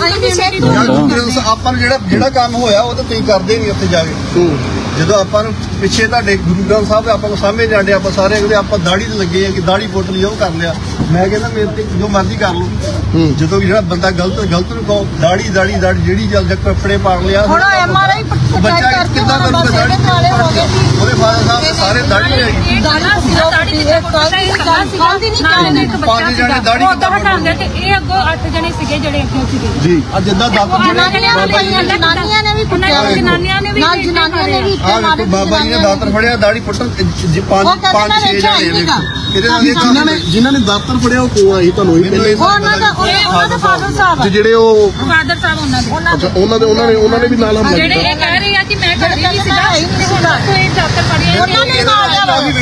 S4: ਆਪਾਂ ਨੂੰ ਜਿਹੜਾ ਕੰਮ ਹੋਇਆ ਉਹ ਤਾਂ ਤੁਸੀਂ ਕਰਦੇ ਨਹੀਂ ਉੱਥੇ ਜਾ ਕੇ। ਜਦੋਂ ਆਪਾਂ ਨੂੰ ਪਿੱਛੇ ਤੁਹਾਡੇ ਗੁਰੂ ਗ੍ਰੰਥ ਸਾਹਿਬ ਆਪਾਂ ਨੂੰ ਸਾਹਮਣੇ ਜਾਂਦੇ, ਆਪਾਂ ਸਾਰੇ ਅਗਲੇ ਆਪਾਂ ਦਾੜੀ ਤੇ ਲੱਗੇ ਆ ਕਿ ਦਾੜੀ ਪੁੱਟ ਲਈ, ਉਹ ਕਰ ਲਿਆ। ਮੈਂ ਕਹਿੰਦਾ ਮੇਰੇ ਤੇ ਜੋ ਮਰਜ਼ੀ ਕਰ ਲਓ, ਜਦੋਂ ਜਿਹੜਾ ਬੰਦਾ ਗਲਤ ਨੂੰ ਕਹੋ ਦਾੜੀ ਜਿਹੜੀ ਜਲ ਕੱਪੜੇ ਪਾੜ ਲਿਆ,
S3: ਹੁਣ ਐਮਆਰਆਈ
S4: ਬੱਚਾ ਕਿੱਦਾਂ ਕਰੂਗਾ? ਉਹਦੇ ਫਾਦਰ ਸਾਹਿਬ ਸਾਰੇ ਦਾੜੀ ਹੈਗੀ,
S3: ਕੱਲ ਦੀ ਨਹੀਂ
S4: ਪੰਜ ਜਣੇ ਦਾੜੀ
S6: ਉਦੋਂ ਹਟਾਉਂਦੇ ਤੇ ਇਹ ਅੱਗੋਂ 8 ਜਣੇ ਸੀਗੇ ਜਿਹੜੇ ਅੱਗੇ ਸੀਗੇ
S1: ਜੀ ਅੱਜ ਜਿੱਦਾਂ ਦਾਤਰ
S3: ਜਨਾਨੀਆਂ ਨੇ ਵੀ ਕੁੱਟਿਆ
S6: ਜਨਾਨੀਆਂ ਨੇ ਵੀ
S3: ਨਾਲ ਜਨਾਨੀਆਂ ਨੇ ਵੀ ਇੱਥੇ
S4: ਆਹ
S3: ਮਾਰੇ
S4: ਵੇਖੋ ਬਾਬਾ ਜੀ ਨੇ ਦਾਤਰ ਫੜਿਆ ਦਾੜੀ ਪੁੱਟਣ ਪੰਜ ਛੇ ਜਣੇ ਵੇਖੋ ਇਹਦੇ ਨਾਲ
S1: ਜਿਨ੍ਹਾਂ ਨੇ ਦਾਤਰ ਫੜਿਆ ਉਹ ਕੋਲ ਆਈ ਤੁਹਾਨੂੰ ਹੀ ਪਹਿਲੇ
S3: ਉਹਨਾਂ ਦਾ ਫਾਦਰ ਸਾਹਿਬ
S1: ਤੇ ਜਿਹੜੇ ਉਹ
S6: ਫਾਦਰ ਸਾਹਿਬ ਉਹਨਾਂ ਦੇ
S1: ਅੱਛਾ ਉਹਨਾਂ ਨੇ ਵੀ ਨਾਲ ਹਮਲਾ
S6: ਜਿਹੜੇ
S1: ਕੀਤਾ
S6: ਇਹ ਕਹਿ ਰਹੇ ਆ ਕਿ ਮੈਂ ਘਰ ਨਹੀਂ ਸੀਗਾ ਕੋਈ ਡਾਕਟਰ ਫੜਿਆ
S3: ਉਹਨਾਂ ਨੇ ਮਾਰਿਆ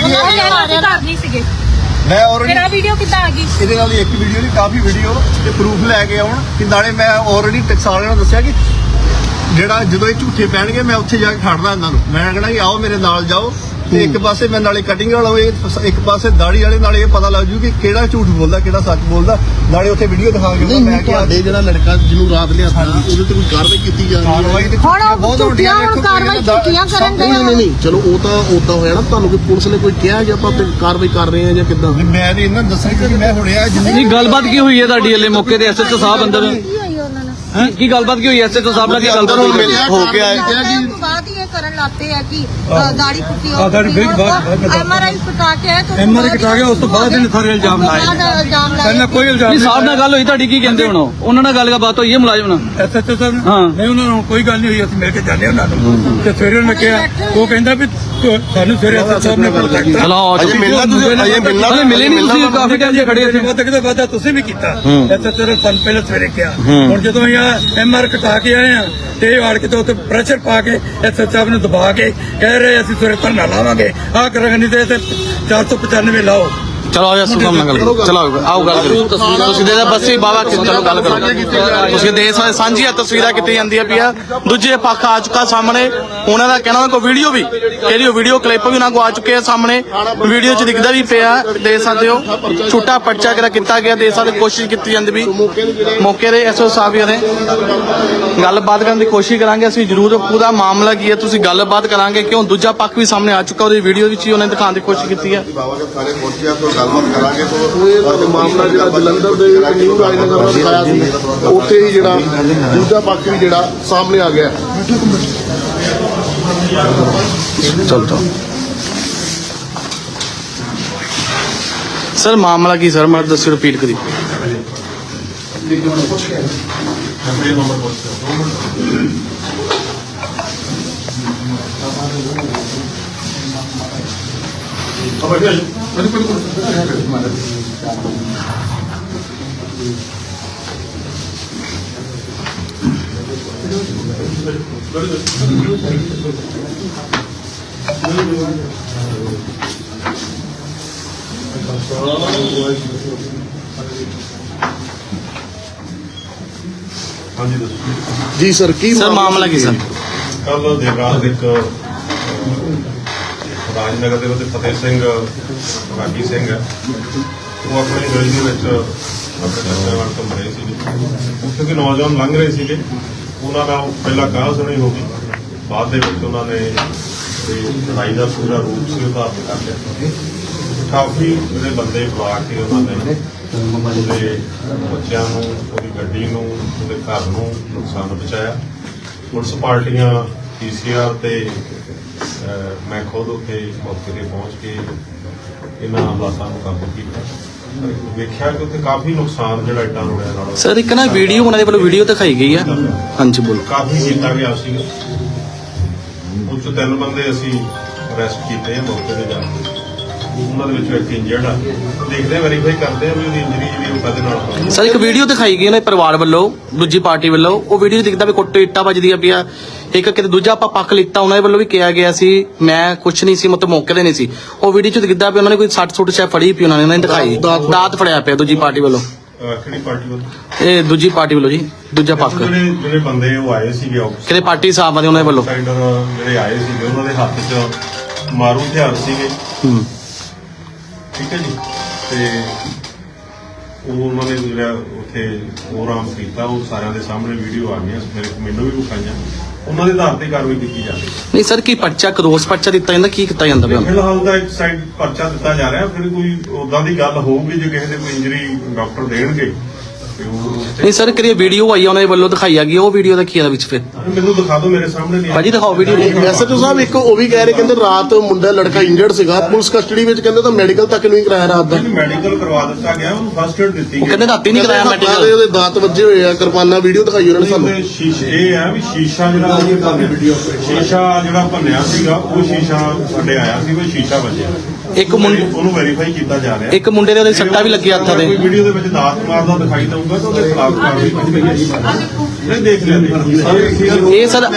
S6: ਘਰ ਨਹੀਂ ਸੀਗੇ
S4: ਮੈਂ ਆਲਰੇਡੀ
S6: ਮੇਰਾ ਵੀਡੀਓ ਕਿੱਦਾਂ ਆ ਗਈ
S4: ਇਹਦੇ ਨਾਲ ਇੱਕ ਵੀਡੀਓ ਨਹੀਂ ਕਾਫੀ ਵੀਡੀਓ ਤੇ ਪ੍ਰੂਫ ਲੈ ਕੇ ਆਉਣ ਕਿ ਨਾਲੇ ਮੈਂ ਆਲਰੇਡੀ ਟਕਸਾਲ ਨੂੰ ਦੱਸਿਆ ਕਿ ਜਿਹੜਾ ਜਦੋਂ ਇਹ ਝੂਠੇ ਪੈਣਗੇ ਮੈਂ ਉੱਥੇ ਜਾ ਕੇ ਖੜਨਾ ਇਹਨਾਂ ਨੂੰ ਮੈਂ ਕਹਿਣਾ ਕਿ ਆਓ ਮੇਰੇ ਨਾਲ ਜਾਓ ਤੇ ਇੱਕ ਪਾਸੇ ਮੈਂ ਨਾਲੇ ਕਟਿੰਗ ਵਾਲਾ ਹੋਏ ਇੱਕ ਪਾਸੇ ਦਾੜੀ ਵਾਲੇ ਨਾਲੇ ਇਹ ਪਤਾ ਲੱਗ ਜੂ ਕਿ ਕਿਹੜਾ ਝੂਠ ਬੋਲਦਾ ਕਿਹੜਾ ਸੱਚ ਬੋਲਦਾ ਨਾਲੇ ਉੱਥੇ ਵੀਡੀਓ ਦਿਖਾ ਕੇ
S1: ਨਹੀਂ
S4: ਮੈਂ ਕਿਹਾ
S1: ਤੁਹਾਡੇ ਜਿਹੜਾ ਲੜਕਾ ਜਿਹਨੂੰ ਰਾਤ ਲਿਆਤਾ ਉਹਦੇ ਤੇ ਕੋਈ ਕਾਰਵਾਈ ਕੀਤੀ ਜਾ ਰਹੀ ਹੈ
S4: ਕਾਰਵਾਈ ਤੇ
S3: ਹੁਣ ਉਹ
S4: ਬਹੁਤ ਵੱਡੀ
S3: ਝੂਠੀਆਂ ਹੁਣ ਕਾਰਵਾਈ ਝੂਠੀਆਂ ਕਰਨ ਦੇ
S1: ਨਹੀਂ ਚਲੋ ਉਹ ਤਾਂ ਉਦਾਂ ਹੋਇਆ ਨਾ ਤੁਹਾਨੂੰ ਕਿ ਪੁਲਿਸ ਨੇ ਕੋਈ ਕਿਹਾ ਕਿ ਆਪਾਂ ਤੇ ਕਾਰਵਾਈ ਕਰ ਰਹੇ ਹਾਂ ਜਾਂ ਕਿੱਦਾਂ
S4: ਮੈਂ ਨਹੀਂ ਇਹਨਾਂ ਨੂੰ ਦੱਸਿਆ ਕਿ ਮੈਂ ਹੁਣਿਆ ਜਿੰਨੀ
S2: ਨਹੀਂ ਗੱਲਬਾਤ ਕੀ ਹੋਈ ਹੈ ਤੁਹਾਡੀ ਹਲੇ ਮੌਕੇ ਤੇ ਐਸਐਚਓ ਸਾਹਿਬ ਅੰਦਰ
S3: ਕੀ ਹੋਈ ਉਹਨਾਂ ਨਾਲ
S2: ਕੀ ਗੱਲਬਾਤ ਕੀ ਹੋਈ ਐਸਐਚਓ ਸਾਹਿਬ ਨਾਲ ਕੀ ਗੱਲਬਾਤ ਹੋਈ
S1: ਮਿਲਿਆ ਹੋ ਕੇ ਆਏ
S3: ਉਸ ਤੋਂ ਬਾਅਦ ਹੀ ਇਹ ਕਰਨ ਲੱਪੇ ਆ ਕਿ ਦਾੜੀ ਪੁੱਟੀ
S5: ਆਹ ਦਾੜੀ ਫਿਰ ਬਾਅਦ
S3: ਐਮਆਰਆਈ ਕਟਾ ਕੇ ਆਏ ਤਾਂ
S5: ਐਮਆਰ ਕਟਾ ਗਿਆ ਉਸ ਤੋਂ ਬਾਅਦ ਇਹਨੇ ਸਾਰੇ ਇਲਜ਼ਾਮ ਲਾਏ ਪਹਿਲਾਂ ਕੋਈ ਇਲਜ਼ਾਮ
S2: ਨਹੀਂ
S5: ਨਹੀਂ
S2: ਸਾਹਿਬ ਨਾਲ ਗੱਲ ਹੋਈ ਤੁਹਾਡੀ ਕੀ ਕਹਿੰਦੇ ਹੁਣ ਉਹਨਾਂ ਨਾਲ ਗੱਲਬਾਤ ਹੋਈ ਹੈ ਮੁਲਾਜ਼ਮ ਨਾਲ
S5: ਐਸਐਚਓ ਸਾਹਿਬ
S2: ਹਾਂ।
S5: ਨਹੀਂ ਉਹਨਾਂ ਨੂੰ ਕੋਈ ਗੱਲ ਨਹੀਂ ਹੋਈ ਅਸੀਂ ਮਿਲ ਕੇ ਜਾਂਦੇ ਉਹਨਾਂ ਨੂੰ ਤੇ ਸਵੇਰੇ ਉਹਨੇ ਕਿਹਾ ਉਹ ਕਹਿੰਦਾ ਵੀ ਸਾਨੂੰ ਸਵੇਰੇ ਐਸਐਚਓ ਸਾਹਿਬ ਨੇ ਪ੍ਰੋਜੈਕਟ
S2: ਚਲੋ
S1: ਅਜੇ ਮਿਲਣਾ ਤੁਸੀਂ ਅਜੇ ਮਿਲਣਾ
S2: ਹਲੇ ਮਿਲੇ ਨਹੀਂ ਤੁਸੀਂ ਕਾਫੀ ਟਾਈਮ ਦੇ ਖੜੇ ਇੱਥੇ
S5: ਬਹੁਤ ਕਿਤੇ ਵਾਦਾ ਤੁਸੀਂ ਵੀ ਕੀਤਾ ਐਸਐਚਓ ਨੇ ਸਾਨੂੰ ਪਹਿਲਾਂ ਸਵੇਰੇ ਕਿਹਾ ਹੁਣ ਜਦੋਂ ਅਸੀਂ ਐਮਆਰ ਕਟਾ ਕੇ ਆਏ ਆ ਤੇ ਇਹ ਆੜ ਕੇ ਤੇ ਉੱਤੇ ਪ੍ਰੈਸ਼ਰ ਪਾ ਕੇ ਐਸਐਚਓ ਸਾਹਿਬ ਨੂੰ ਦਬਾ ਕੇ ਕਹਿ ਰਹੇ ਅਸੀਂ ਸਵੇਰੇ ਧਰਨਾ ਲਾਵਾਂਗੇ ਆਹ ਕਰਾਂਗੇ ਨਹੀਂ ਤੇ ਇੱਥੇ 495 ਲਾਓ
S2: ਚਲੋ ਆਓ ਯਾਰ ਨਾਲ ਗੱਲ ਕਰੋ ਚਲੋ ਆਓ ਗੱਲ ਕਰੋ ਤੁਸੀਂ ਦੇ ਬਸ ਹੀ ਬਾਬਾ ਚਲੋ ਗੱਲ ਕਰੋ ਤੁਸੀਂ ਦੇਸ਼ ਵਾਲੇ ਸਾਂਝੀਆਂ ਤਸਵੀਰਾਂ ਕੀਤੀ ਜਾਂਦੀਆਂ ਪਿਆ ਦੂਜੇ ਪੱਖ ਆ ਚੁੱਕਾ ਸਾਹਮਣੇ ਉਹਨਾਂ ਦਾ ਕਹਿਣਾ ਕੋਈ ਵੀਡੀਓ ਵੀ ਇਹਦੀ ਵੀਡੀਓ ਕਲਿੱਪ ਵੀ ਉਹਨਾਂ ਕੋ ਆ ਚੁੱਕੇ ਆ ਸਾਹਮਣੇ ਵੀਡੀਓ 'ਚ ਦਿਖਦਾ ਵੀ ਪਿਆ ਦੇਖ ਸਕਦੇ ਹੋ ਛੋਟਾ ਪਰਚਾ ਕਿਹੜਾ ਕੀਤਾ ਗਿਆ ਦੇਸ਼ ਵਾਲੇ ਕੋਸ਼ਿਸ਼ ਕੀਤੀ ਜਾਂਦੀ ਵੀ ਮੌਕੇ ਦੇ ਐਸਓ ਸਾਹਿਬ ਨੇ ਗੱਲਬਾਤ ਕਰਨ ਦੀ ਕੋਸ਼ਿਸ਼ ਕਰਾਂਗੇ ਅਸੀਂ ਜ਼ਰੂਰ ਪੂਰਾ ਮਾਮਲਾ ਕੀ ਹੈ ਤੁਸੀਂ ਗੱਲਬਾਤ ਕਰਾਂਗੇ ਕਿਉਂ ਦੂਜਾ ਪੱਖ ਵੀ ਸਾਹਮਣੇ ਆ ਚੁੱਕਾ ਉਹਦੀ ਵੀਡੀਓ ਵਿੱਚ ਹੀ ਉਹਨੇ ਦਿਖਾਉਣ ਦੀ ਕੋਸ਼ਿਸ਼ ਕੀਤੀ ਹੈ
S1: ਬਾਬਾ ਕੇ ਸਾਰੇ ਪਹੁੰਚਿਆ ਤੋਂ ਗੱਲਬਾਤ ਕਰਾਂਗੇ ਤੋਂ ਮਾਮਲਾ ਜਿਹੜਾ ਜਲੰਧਰ ਦੇ ਨਿਊ ਰਾਜਨਗਰ ਦਾ ਦਿਖਾਇਆ ਸੀ ਉੱਥੇ ਹੀ ਜਿਹੜਾ ਦੂਜਾ ਪੱਖ ਵੀ ਜਿਹੜਾ ਸਾਹਮਣੇ ਆ ਗਿਆ
S2: ਚਲੋ ਸਰ ਮਾਮਲਾ ਕੀ ਸਰ ਮੈਂ ਦੱਸਿਓ ਰਿਪੀਟ ਕਰੀ
S1: ਜੀ ਸਰ ਕੀ
S2: ਸਰ ਮਾਮਲਾ ਕੀ ਸਰ
S7: ਕੱਲ ਦੇਰ ਰਾਤ ਇੱਕ ਰਾਜਨਗਰ ਦੇ ਵਿੱਚ ਫਤਿਹ ਸਿੰਘ ਰਾਗੀ ਸਿੰਘ ਹੈ ਉਹ ਆਪਣੀ ਗਲੀ ਦੇ ਵਿੱਚ ਆਪਣੇ ਬੱਚਿਆਂ ਨਾਲ ਘੁੰਮ ਰਹੇ ਸੀਗੇ ਉੱਥੇ ਦੇ ਨੌਜਵਾਨ ਲੰਘ ਰਹੇ ਸੀਗੇ ਉਹਨਾਂ ਨਾਲ ਪਹਿਲਾਂ ਕਾਹ ਸੁਣੀ ਹੋ ਗਈ ਬਾਅਦ ਦੇ ਵਿੱਚ ਉਹਨਾਂ ਨੇ ਲੜਾਈ ਦਾ ਪੂਰਾ ਰੂਪ ਸੀ ਧਾਰਨ ਕਰ ਲਿਆ ਕਾਫੀ ਜਿਹੜੇ ਬੰਦੇ ਬੁਲਾ ਕੇ ਉਹਨਾਂ ਨੇ ਉਹਦੇ ਬੱਚਿਆਂ ਨੂੰ ਉਹਦੀ ਗੱਡੀ ਨੂੰ ਉਹਦੇ ਘਰ ਨੂੰ ਨੁਕਸਾਨ ਪਹੁੰਚਾਇਆ ਪੁਲਿਸ ਪਾਰਟੀਆਂ ਪੀਸੀਆਰ ਤੇ ਮੈਂ ਖੁਦ ਉੱਥੇ ਮੌਕੇ ਤੇ ਪਹੁੰਚ ਕੇ ਇਹਨਾਂ ਹਾਲਾਤਾਂ ਨੂੰ ਕਾਬੂ ਕੀਤਾ ਵੇਖਿਆ ਕਿ ਉੱਥੇ ਕਾਫੀ ਨੁਕਸਾਨ ਜਿਹੜਾ ਇੱਟਾਂ ਰੋੜਿਆਂ ਨਾਲ
S2: ਸਰ ਇੱਕ ਨਾ ਵੀਡੀਓ ਉਹਨਾਂ ਦੇ ਵੱਲੋਂ ਵੀਡੀਓ ਦਿਖਾਈ ਗਈ ਹੈ ਹਾਂਜੀ ਬੋਲੋ
S7: ਕਾਫੀ ਕੀਤਾ ਗਿਆ ਸੀ ਉਹ 'ਚੋਂ 3 ਬੰਦੇ ਅਸੀਂ ਅਰੈਸਟ ਕੀਤੇ ਆ ਮੌਕੇ ਤੇ ਜਾ ਕੇ ਉਹਨਾਂ ਦੇ ਵਿੱਚੋਂ ਇੱਕ ਇੰਜਰਡ ਆ ਦੇਖਦੇ ਵੈਰੀਫਾਈ ਕਰਦੇ ਆ ਵੀ ਉਹਦੀ ਇੰਜਰੀ ਜਿਹੜੀ ਉਹ ਕਦੇ ਨਾਲ ਹੋਈ
S2: ਸਰ ਇੱਕ ਵੀਡੀਓ ਦਿਖਾਈ ਗਈ ਉਹਨਾਂ ਦੇ ਪਰਿਵਾਰ ਵੱਲੋਂ ਦੂਜੀ ਪਾਰਟੀ ਵੱਲੋਂ ਉਹ ਵੀਡੀਓ 'ਚ ਦਿਖਦਾ ਵੀ ਕੁੱਟ ਇੱਟਾਂ ਵੱਜਦੀਆਂ ਪਿਆ ਇੱਕ ਕਿਤੇ ਦੂਜਾ ਆਪਾਂ ਪੱਖ ਲਿੱਤਾ ਉਹਨਾਂ ਦੇ ਵੱਲੋਂ ਵੀ ਕਿਹਾ ਗਿਆ ਸੀ ਮੈਂ ਕੁਛ ਨਹੀਂ ਸੀ ਮਤਲਬ ਮੌਕੇ ਤੇ ਨਹੀਂ ਸੀ ਉਹ ਵੀਡੀਓ 'ਚ ਦਿਖਦਾ ਵੀ ਉਹਨਾਂ ਨੇ ਕੋਈ 60 ਸ਼ਾਇਦ ਫੜੀ ਪਈ ਉਹਨਾਂ ਨੇ ਦਿਖਾਈ ਦਾਤ ਫੜਿਆ ਪਿਆ ਦੂਜੀ ਪਾਰਟੀ ਵੱਲੋਂ
S7: ਕਿਹੜੀ ਪਾਰਟੀ ਵੱਲੋਂ
S2: ਇਹ ਦੂਜੀ ਪਾਰਟੀ ਵੱਲੋਂ ਜੀ ਦੂਜਾ ਪੱਖ
S7: ਜਿਹੜੇ ਬੰਦੇ ਉਹ ਆਏ ਸੀਗੇ
S2: ਕਿਤੇ ਪਾਰਟੀ ਸਾਹਿਬਾਂ ਦੇ ਉਹਨਾਂ ਦੇ ਵੱਲੋਂ
S7: ਆਊਟਸਾਈਡਰ ਜਿਹੜੇ ਆਏ ਸੀਗੇ ਉਹਨਾਂ ਦੇ ਹੱਥ 'ਚ ਮਾਰੂ ਹਥਿਆਰ ਸੀਗੇ ਠੀਕ ਹੈ ਜੀ ਤੇ ਉਹ ਉਹਨਾਂ ਨੇ ਜਿਹੜਾ ਉੱਥੇ ਪ੍ਰੋਗਰਾਮ ਕੀਤਾ ਉਹ ਸਾਰਿਆਂ ਦੇ ਸਾਹਮਣੇ ਵੀਡੀਓ ਆ ਗਈਆਂ ਮੈਨੂੰ ਵੀ ਵਿਖਾਈਆਂ ਉਹਨਾਂ ਦੇ ਆਧਾਰ ਤੇ ਕਾਰਵਾਈ ਕੀਤੀ ਜਾਂਦੀ
S2: ਨਹੀਂ ਸਰ ਕੀ ਪਰਚਾ ਕਰੋਸ ਪਰਚਾ ਦਿੱਤਾ ਜਾਂਦਾ ਕੀ ਕੀਤਾ ਜਾਂਦਾ ਪਿਆ
S7: ਫਿਲਹਾਲ ਦਾ ਇੱਕ ਸਾਈਡ ਪਰਚਾ ਦਿੱਤਾ ਜਾ ਰਿਹਾ ਫਿਰ ਕੋਈ ਉਦਾਂ ਦੀ ਗੱਲ ਹੋਊਗੀ ਜੇ ਕਿਸੇ ਦੇ ਕੋਈ ਇੰਜਰੀ ਡਾਕਟਰ ਦੇਣਗੇ
S2: ਨਹੀਂ ਸਰ ਕਿਹੜੀ ਵੀਡੀਓ ਆਈ ਆ ਉਹਨਾਂ ਦੇ ਵੱਲੋਂ ਦਿਖਾਈ ਹੈਗੀ, ਉਹ ਵੀਡੀਓ ਦਾ ਕੀ ਹੈ ਵਿੱਚ ਫਿਰ
S7: ਮੈਨੂੰ ਦਿਖਾ ਦਿਓ, ਮੇਰੇ ਸਾਹਮਣੇ ਨਹੀਂ
S2: ਭਾਜੀ ਦਿਖਾਓ ਵੀਡੀਓ।
S1: ਐਸਐਚਓ ਸਾਹਿਬ ਇੱਕ ਉਹ ਵੀ ਕਹਿ ਰਹੇ, ਕਹਿੰਦੇ ਰਾਤ ਮੁੰਡਾ ਲੜਕਾ ਇੰਜਰਡ ਸੀਗਾ, ਪੁਲਿਸ ਕਸਟਡੀ ਵਿੱਚ, ਕਹਿੰਦੇ ਤਾਂ ਮੈਡੀਕਲ ਤੱਕ ਨਹੀਂ ਕਰਾਇਆ ਰਾਤ ਦਾ।
S7: ਮੈਡੀਕਲ ਕਰਵਾ ਦਿੱਤਾ ਗਿਆ, ਉਹਨੂੰ ਫਸਟ ਏਡ ਦਿੱਤੀ
S2: ਉਹ ਕਹਿੰਦੇ ਰਾਤੀ ਨਹੀਂ ਕਰਾਇਆ ਮੈਡੀਕਲ।
S1: ਉਹਦੇ ਦਾਂਤ ਵੱਜੇ ਹੋਏ ਆ, ਕਿਰਪਾਨਾਂ, ਵੀਡੀਓ ਦਿਖਾਈ ਉਹਨਾਂ ਨੇ ਸਾਨੂੰ।
S7: ਉਹਦੇ ਸ਼ੀਸ਼ੇ ਇਹ ਆ ਵੀ ਸ਼ੀਸ਼ਾ ਜਿਹੜਾ ਸ਼ੀਸ਼ਾ ਜਿਹੜਾ ਭੰਨਿਆ ਸੀਗਾ, ਉਹ ਸ਼ੀਸ਼ਾ ਸਾਡੇ ਆਇਆ ਸੀ, ਕੋਈ ਸ਼ੀਸ਼ਾ ਵੱਜਿਆ।
S2: ਇੱਕ ਮੁੰਡੇ
S7: ਉਹਨੂੰ ਵੈਰੀਫਾਈ ਕੀਤਾ ਜਾ ਰਿਹਾ।
S2: ਇੱਕ ਮੁੰਡੇ ਦੇ ਉਹਦੇ ਸੱਟਾਂ ਵੀ ਲੱਗੀਆਂ ਹੱਥਾਂ
S7: ਕੋਈ
S2: ਦੇ।
S7: ਵੀਡੀਓ ਦੇ ਵਿੱਚ ਦਾਤ ਮਾਰਦਾ ਦਿਖਾਈ ਦਊਗਾ ਤਾਂ ਉਹਦੇ ਖਿਲਾਫ ਕਾਰਵਾਈ ਕੀਤੀ ਜਾਏਗੀ। ਨਹੀਂ ਦੇਖ ਲੈਂਦੇ
S2: ਇਹ ਸਰ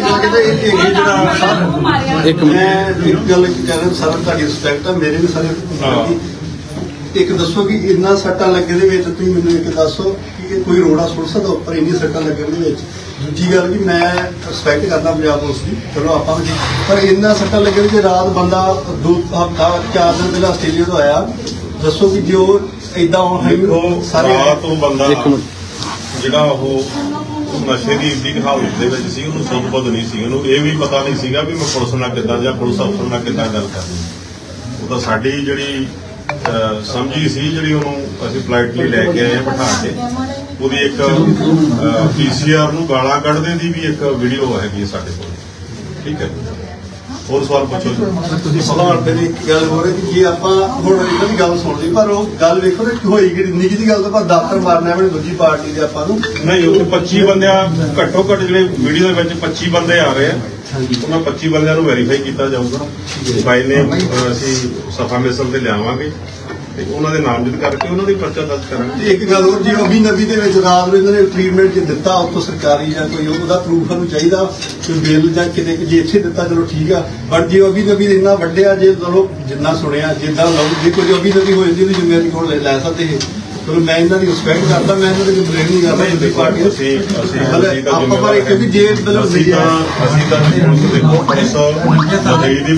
S2: ਇੱਕ
S4: ਮੈਂ ਇੱਕ ਗੱਲ ਕਹਿ ਰਿਹਾ ਸਰ, ਤੁਹਾਡੀ ਰਿਸਪੈਕਟ ਆ, ਮੇਰੇ ਵੀ ਸਾਰੇ ਇੱਕ ਦੱਸੋ ਕਿ ਇੰਨਾ ਸੱਟਾਂ ਲੱਗੇ ਦੇ ਵਿੱਚ ਤੁਸੀਂ ਮੈਨੂੰ ਇੱਕ ਦੱਸੋ ਕਿ ਕੋਈ ਰੋੜਾ ਸੁੱਟ ਸਕਦਾ ਉੱਪਰ ਇੰਨੀ ਸੱਟਾਂ ਲੱਗਣ ਦੇ ਵਿੱਚ। ਦੂਜੀ ਗੱਲ ਕਿ ਮੈਂ ਰਿਸਪੈਕਟ ਕਰਦਾ ਪੰਜਾਬ ਪੁਲਿਸ ਦੀ, ਚਲੋ ਆਪਾਂ ਵੀ, ਪਰ ਇੰਨਾ ਸੱਟਾਂ ਲੱਗੇ ਵਿੱਚ ਰਾਤ ਬੰਦਾ 2 ਹਫ਼ਤਾ 4 ਦਿਨ ਪਹਿਲਾਂ ਆਸਟ੍ਰੇਲੀਆ ਤੋਂ ਆਇਆ, ਦੱਸੋ ਕਿ ਜੋ ਇਦਾਂ
S7: ਦੇਖੋ
S4: ਸਾਰੇ
S7: ਰਾਤ ਤੋਂ ਬੰਦਾ
S2: ਇੱਕ ਮਿੰਟ।
S7: ਜਿਹੜਾ ਉਹ ਨਸ਼ੇ ਦੀ ਇੰਨੀ ਹਾਲਤ ਦੇ ਵਿੱਚ ਸੀ, ਉਹਨੂੰ ਸੁੱਧ ਨਹੀਂ ਸੀ, ਉਹਨੂੰ ਇਹ ਵੀ ਪਤਾ ਨਹੀਂ ਸੀਗਾ ਵੀ ਮੈਂ ਪੁਲਿਸ ਨਾਲ ਕਿੱਦਾਂ ਜਾਂ ਪੁਲਿਸ ਅਫਸਰ ਨਾਲ ਕਿੱਦਾਂ ਗੱਲ ਕਰਨੀ। ਉਹ ਤਾਂ ਸਾਡੀ ਜਿਹੜੀ ਸਮਝੀ ਸੀ, ਜਿਹੜੀ ਉਹਨੂੰ ਅਸੀਂ ਪੋਲਾਈਟਲੀ ਲੈ ਕੇ ਆਏ ਬਿਠਾ ਕੇ। ਉਹਦੀ ਇੱਕ ਪੀਸੀਆਰ ਨੂੰ ਗਾਲਾਂ ਕੱਢਦੇ ਦੀ ਵੀ ਇੱਕ ਵੀਡੀਓ ਹੈਗੀ ਸਾਡੇ ਕੋਲ, ਠੀਕ ਹੈ। ਹੋਰ ਸਵਾਲ ਪੁੱਛੋ ਜੀ।
S4: ਤੁਸੀਂ ਸਵਾਲ ਤੇ ਇੱਕ ਗੱਲ ਹੋ ਰਹੀ ਕਿ ਜੇ ਆਪਾਂ ਹੁਣ ਇਹਨਾਂ ਦੀ ਗੱਲ ਸੁਣ ਲਈ, ਪਰ ਉਹ ਗੱਲ ਵੇਖੋ ਨਾ ਹੋਈ ਕਿ ਨਿੱਕੀ ਦੀ ਗੱਲ ਤਾਂ ਆਪਾਂ ਦਾਤਰ ਮਾਰਨਾ ਹੈ ਦੂਜੀ ਪਾਰਟੀ ਦੇ ਆਪਾਂ ਨੂੰ।
S7: ਨਹੀਂ, ਉੱਥੇ 25 ਬੰਦਿਆਂ ਘੱਟੋ ਘੱਟ ਜਿਹੜੇ ਵੀਡੀਓ ਦੇ ਵਿੱਚ 25 ਬੰਦੇ ਆ ਰਹੇ ਆ, ਉਹਨਾਂ 25 ਬੰਦਿਆਂ ਨੂੰ ਵੈਰੀਫਾਈ ਕੀਤਾ ਜਾਊਗਾ। ਬਾਈ ਨੇ ਅਸੀਂ ਸਫਾ ਮਿਸਲ ਤੇ ਲਿਆਵਾਂਗੇ ਤੇ ਉਹਨਾਂ ਦੇ ਨਾਮਜ਼ਦ ਕਰਕੇ ਉਹਨਾਂ ਦੀ ਪਰਚਾ ਦਰਜ ਕਰਾਂਗੇ।
S4: ਤੇ ਇੱਕ ਗੱਲ ਹੋਰ, ਜੇ ਅਭੀ ਨਬੀ ਦੇ ਵਿੱਚ ਰਾਤ ਨੂੰ ਇਹਨਾਂ ਨੇ ਟ੍ਰੀਟਮੈਂਟ ਜੇ ਦਿੱਤਾ ਉੱਥੋਂ ਸਰਕਾਰੀ ਜਾਂ ਕੋਈ ਉਹਦਾ ਪ੍ਰੂਫ ਸਾਨੂੰ ਚਾਹੀਦਾ, ਕਿ ਬਿੱਲ ਜਾਂ ਕਿਤੇ ਜੇ ਇੱਥੇ ਦਿੱਤਾ ਚਲੋ ਠੀਕ ਆ, ਪਰ ਜੇ ਅਭੀ ਨਬੀ ਇੰਨਾ ਵੱਡਿਆ, ਜੇ ਚਲੋ ਜਿੰਨਾ ਸੁਣਿਆ ਜਿੱਦਾਂ ਜੇ ਕੋਈ ਅਭੀ ਨਬੀ ਹੋ ਜਾਂਦੀ ਉਹਦੀ ਜ਼ਿੰਮੇਵਾਰੀ ਕੋਲ ਲੈ ਸਕਦੇ ਇਹ। ਚਲੋ ਮੈਂ ਇਹਨਾਂ ਦੀ ਰਿਸਪੈਕਟ ਕਰਦਾ, ਮੈਂ ਇਹਨਾਂ ਦੀ ਕੰਪਲੇਂਟ ਨਹੀਂ ਕਰਦਾ ਦੂਜੀ ਪਾਰਟੀ ਨੂੰ। ਆਪਾਂ ਪਰ ਇੱਕ ਵੀ ਜੇ ਮਤਲਬ
S7: ਅਸੀਂ ਤਾਂ ਪੁਲਿਸ ਦੇਖੋ, ਪੁਲਿਸ ਲੜਾਈ ਦੀ ਵੀ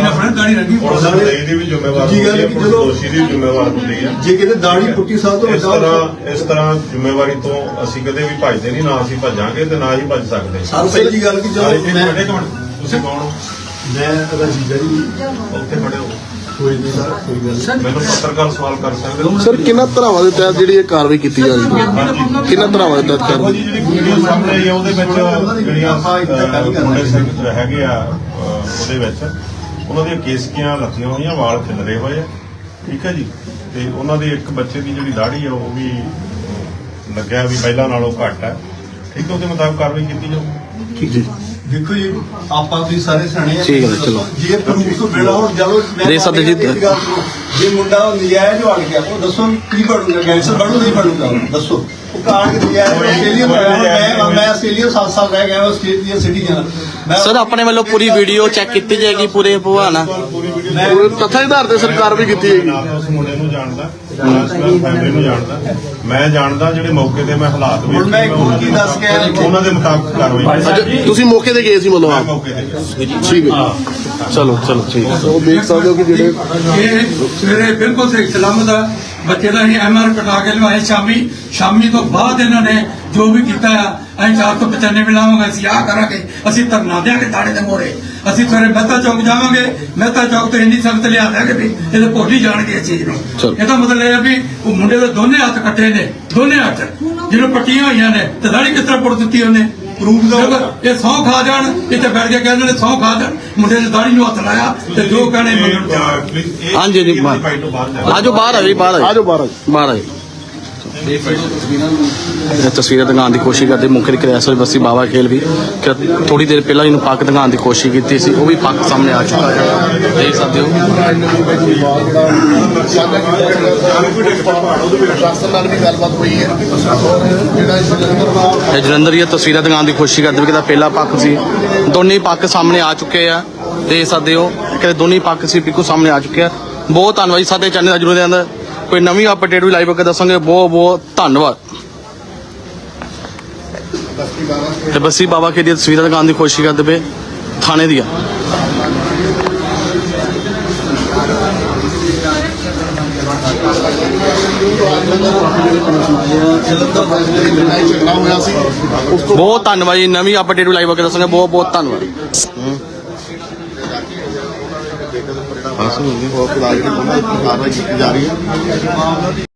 S7: ਜ਼ਿੰਮੇਵਾਰ
S4: ਦੂਜੀ ਗੱਲ ਕਿ ਚਲੋ
S7: ਦੋਸ਼ੀ ਦੀ ਜ਼ਿੰਮੇਵਾਰ ਹੁੰਦੀ ਹੈ।
S4: ਜੇ ਕਿਤੇ ਦਾੜੀ ਪੁੱਟੀ ਸਾਹਿਬ ਤੋਂ
S7: ਇਸ ਤਰ੍ਹਾਂ ਜ਼ਿੰਮੇਵਾਰੀ ਤੋਂ ਅਸੀਂ ਕਦੇ ਵੀ ਭੱਜਦੇ ਨਹੀਂ, ਨਾ ਅਸੀਂ ਭੱਜਾਂਗੇ ਤੇ ਨਾ ਹੀ ਭੱਜ ਸਕਦੇ।
S4: ਸਰ ਪਹਿਲੀ ਗੱਲ ਕਿ ਚਲੋ
S7: ਇੱਕ ਮਿੰਟ, ਤੁਸੀਂ ਕੌਣ ਹੋ?
S4: ਮੈਂ ਰਜੀਦਾ ਜੀ,
S7: ਉੱਥੇ ਖੜੇ ਹੋ,
S4: ਕੋਈ ਨਹੀਂ ਸਰ, ਕੋਈ ਗੱਲ ਨਹੀਂ।
S7: ਮੈਨੂੰ ਪੱਤਰਕਾਰ ਸਵਾਲ ਕਰ ਸਕਦੇ ਹੋ?
S1: ਸਰ ਕਿੰਨਾ ਧਰਾਵਾਂ ਦੇ ਤਹਿਤ ਜਿਹੜੀ ਇਹ ਕਾਰਵਾਈ ਕੀਤੀ ਜਾ ਰਹੀ ਹੈ? ਕਿੰਨਾ ਧਰਾਵਾਂ ਦੇ ਤਹਿਤ
S7: ਦੇਖੋ
S1: ਕਾਰਵਾਈ?
S7: ਜੀ, ਜਿਹੜੀ ਵੀਡੀਓ ਸਾਹਮਣੇ ਆਈ ਆ ਉਹਦੇ ਵਿੱਚ ਜਿਹੜੀਆਂ ਮੁੰਡੇ ਸਿੰਘ ਹੈਗੇ ਆ, ਉਹਦੇ ਵਿੱਚ ਉਹਨਾਂ ਦੀਆਂ ਕੇਸਕੀਆਂ ਲੱਥੀਆਂ ਹੋਈਆਂ, ਵਾਲ ਖਿਲਰੇ ਹੋਏ ਆ, ਠੀਕ ਹੈ ਜੀ। ਤੇ ਉਹਨਾਂ ਦੇ ਇੱਕ ਬੱਚੇ ਦੀ ਜਿਹੜੀ ਦਾੜੀ ਆ ਉਹ ਵੀ ਲੱਗਿਆ ਵੀ ਪਹਿਲਾਂ ਨਾਲੋਂ ਘੱਟ ਹੈ, ਠੀਕ ਹੈ। ਉਹਦੇ ਮੁਤਾਬਕ ਕਾਰਵਾਈ ਕੀਤੀ ਜਾਊ।
S1: ਠੀਕ ਜੀ।
S4: ਦੇਖੋ ਜੀ, ਆਪਾਂ ਤੁਸੀਂ ਸਾਰੇ ਸਿਆਣੇ ਆ,
S1: ਠੀਕ ਹੈ, ਚਲੋ।
S4: ਜੇ ਪ੍ਰੂਫ ਤੋਂ ਬਿਨਾਂ ਹੁਣ ਜਦੋਂ
S2: ਦੇ ਸਕਦੇ ਜੀ।
S4: ਜੇ ਮੁੰਡਾ ਨਜਾਇਜ਼ ਵੜ ਗਿਆ, ਉਹ ਦੱਸੋ ਕੀ ਬਣੂਗਾ? ਗੈਂਗਸਟਰ ਬਣੂ ਨਹੀਂ ਬਣੂਗਾ? ਦੱਸੋ। ਉਹ ਕਾਰ ਕਿ ਨਜਾਇਜ਼ ਆਸਟ੍ਰੇਲੀਆ ਮੈਂ ਆਸਟ੍ਰੇਲੀਆ 7 ਸਾਲ ਰਹਿ ਗਿਆ, ਆਸਟ੍ਰੇਲੀਆ ਸਿਟੀਜ਼ਨ।
S2: ਸਰ ਆਪਣੇ ਵੱਲੋਂ ਪੂਰੀ ਵੀਡੀਓ ਚੈੱਕ ਕੀਤੀ ਜਾਏਗੀ, ਪੂਰੇ ਭਵਾਨਾ
S1: ਉਹ ਤੱਥਾਂ ਦੇ ਆਧਾਰ ਤੇ ਸਰ ਕਾਰਵਾਈ ਕੀਤੀ ਜਾਏਗੀ।
S7: ਨਾ ਤਾਂ ਉਸ ਮੁੰਡੇ ਨੂੰ ਜਾਣਦਾ, ਨਾ ਉਸ ਫੈਮਿਲੀ ਨੂੰ ਜਾਣਦਾ। ਮੈਂ ਜਾਣਦਾ ਜਿਹੜੇ ਮੌਕੇ ਤੇ ਮੈਂ ਹਾਲਾਤ
S4: ਹੁਣ ਮੈਂ ਇੱਕ ਕੀ ਦੱਸ ਕੇ ਆਇਆ
S7: ਉਹਨਾਂ ਦੇ ਮੁਤਾਬਕ ਕਾਰਵਾਈ ਕੀਤੀ।
S1: ਤੁਸੀਂ ਮੌਕੇ ਤੇ ਗਏ ਸੀ ਮਤਲਬ
S7: ਮੈਂ
S1: ਆਪ?
S7: ਮੌਕੇ ਤੇ ਗਿਆ।
S1: ਠੀਕ ਹੈ, ਚਲੋ ਠੀਕ ਹੈ। ਉਹ ਦੇਖ ਸਕਦੇ ਹੋ ਕਿ ਜਿਹੜੇ
S5: ਇਹ ਸਵੇਰੇ ਬਿਲਕੁਲ ਸਹੀ ਸਲਾਮਤ ਆ, ਬੱਚੇ ਦਾ ਅਸੀਂ MR ਕਟਾ ਕੇ ਲਵਾਏ। ਸ਼ਾਮੀ ਤੋਂ ਬਾਅਦ ਇਹਨਾਂ ਨੇ ਜੋ ਵੀ ਕੀਤਾ ਆ, ਅਸੀਂ 495 ਲਾਵਾਂਗੇ, ਅਸੀਂ ਆਹ ਕਰਾਂਗੇ, ਅਸੀਂ ਧਰਨਾ ਦਿਆਂਗੇ ਤਾੜੇ ਦੇ ਮੋਹਰੇ। ਅਸੀਂ ਸਵੇਰੇ ਮਹਿਤਾ ਚੌਕ ਜਾਵਾਂਗੇ, ਮਹਿਤਾ ਚੌਕ ਤੋਂ ਇੰਨੀ ਸਖਤ ਲਿਆ ਦਿਆਂਗੇ ਵੀ ਇਹਦੇ ਭੁੱਲ ਹੀ ਜਾਣਗੇ ਇਸ ਚੀਜ਼ ਨੂੰ। ਇਹਦਾ ਮਤਲਬ ਇਹ ਹੈ ਵੀ ਉਹ ਮੁੰਡੇ ਦੇ ਦੋਨੇ ਹੱਥ ਕੱਟੇ ਨੇ, ਦੋਨੇ ਹੱਥ ਜਿਹਨੂੰ ਪੱਟੀਆਂ ਹੋਈਆਂ ਨੇ, ਤੇ ਦਾੜੀ ਕਿਸ ਤਰ੍ਹਾਂ ਪੁੱਟ ਦਿੱਤੀ ਉਹਨੇ? ਪ੍ਰੂਫ ਦਾ ਇਹ ਸਹੁੰ ਖਾ ਜਾਣ, ਇੱਥੇ ਬੈਠ ਕੇ ਕਹਿੰਦੇ ਨੇ ਸਹੁੰ ਖਾ ਜਾਣ, ਮੁੰਡੇ ਨੇ ਦਾੜੀ ਨੂੰ ਹੱਥ ਲਾਇਆ ਤੇ ਜੋ ਕਹਿਣੇ ਮੰਗਣ।
S2: ਹਾਂਜੀ ਜੀ, ਆਜੋ ਬਾਹਰ ਆਜੋ, ਬਾਹਰ
S1: ਆਜੋ ਬਾਹਰ
S2: ਬਾਹਰ ਆਜੋ। ਇਹ ਤਸਵੀਰਾਂ ਦਿਖਾਉਣ ਦੀ ਕੋਸ਼ਿਸ਼ ਕਰਦੇ ਮੁੱਖ ਦੇ ਕ੍ਰਿਆਸਰ ਬਸੀ ਬਾਬਾ ਖੇਲ ਵੀ ਥੋੜੀ ਦੇਰ ਪਹਿਲਾਂ ਇਹਨੂੰ ਪੱਕ ਦਿਖਾਉਣ ਦੀ ਕੋਸ਼ਿਸ਼ ਕੀਤੀ ਸੀ, ਉਹ ਵੀ ਪੱਕ ਸਾਹਮਣੇ ਆ ਚੁੱਕਾ ਹੈ, ਦੇਖ ਸਕਦੇ ਹੋ।
S1: ਪ੍ਰਸ਼ਾਸਨ ਨਾਲ ਵੀ ਗੱਲਬਾਤ ਹੋਈ ਹੈ, ਜਿਹੜਾ ਇਸ ਜਲੰਧਰ
S2: ਇਹ ਜਲੰਧਰ ਦੀਆਂ ਤਸਵੀਰਾਂ ਦਿਖਾਉਣ ਦੀ ਕੋਸ਼ਿਸ਼ ਕਰਦੇ ਵੀ ਕਿਦਾ ਪਹਿਲਾ ਪੱਕ ਸੀ, ਦੋਨੇ ਪੱਕ ਸਾਹਮਣੇ ਆ ਚੁੱਕੇ ਆ, ਦੇਖ ਸਕਦੇ ਹੋ ਕਿ ਦੋਨੇ ਪੱਕ ਸੀ ਬਿਲਕੁਲ ਸਾਹਮਣੇ ਆ ਚੁੱਕੇ ਆ। ਬਹੁਤ ਧੰਨਵਾਦ ਜੀ, ਸਾਡੇ ਚੈਨਲ ਦਾ ਜਰੂਰ ਦੇ ਅੰਦਰ ਕੋਈ ਨਵੀਂ ਅਪਡੇਟ ਵੀ ਲਾਈਵ ਕਰਕੇ ਦੱਸਾਂਗੇ। ਬਹੁਤ ਬਹੁਤ ਧੰਨਵਾਦ। ਤੇ ਬਸੀ ਬਾਬਾ ਖੇਲ ਦੀਆਂ ਤਸਵੀਰਾਂ ਦਿਖਾਉਣ ਦੀ ਕੋਸ਼ਿਸ਼ ਕਰਦੇ ਪਏ ਥਾਣੇ ਦੀਆਂ। ਬਹੁਤ ਧੰਨਵਾਦ ਜੀ, ਨਵੀਂ ਅਪਡੇਟ ਵੀ ਲਾਈਵ ਕਰਕੇ ਦੱਸਾਂਗੇ। ਬਹੁਤ ਬਹੁਤ ਧੰਨਵਾਦ।
S1: ਕਾਰਵਾਈ ਕੀਤੀ ਜਾ ਰਹੀ ਹੈ।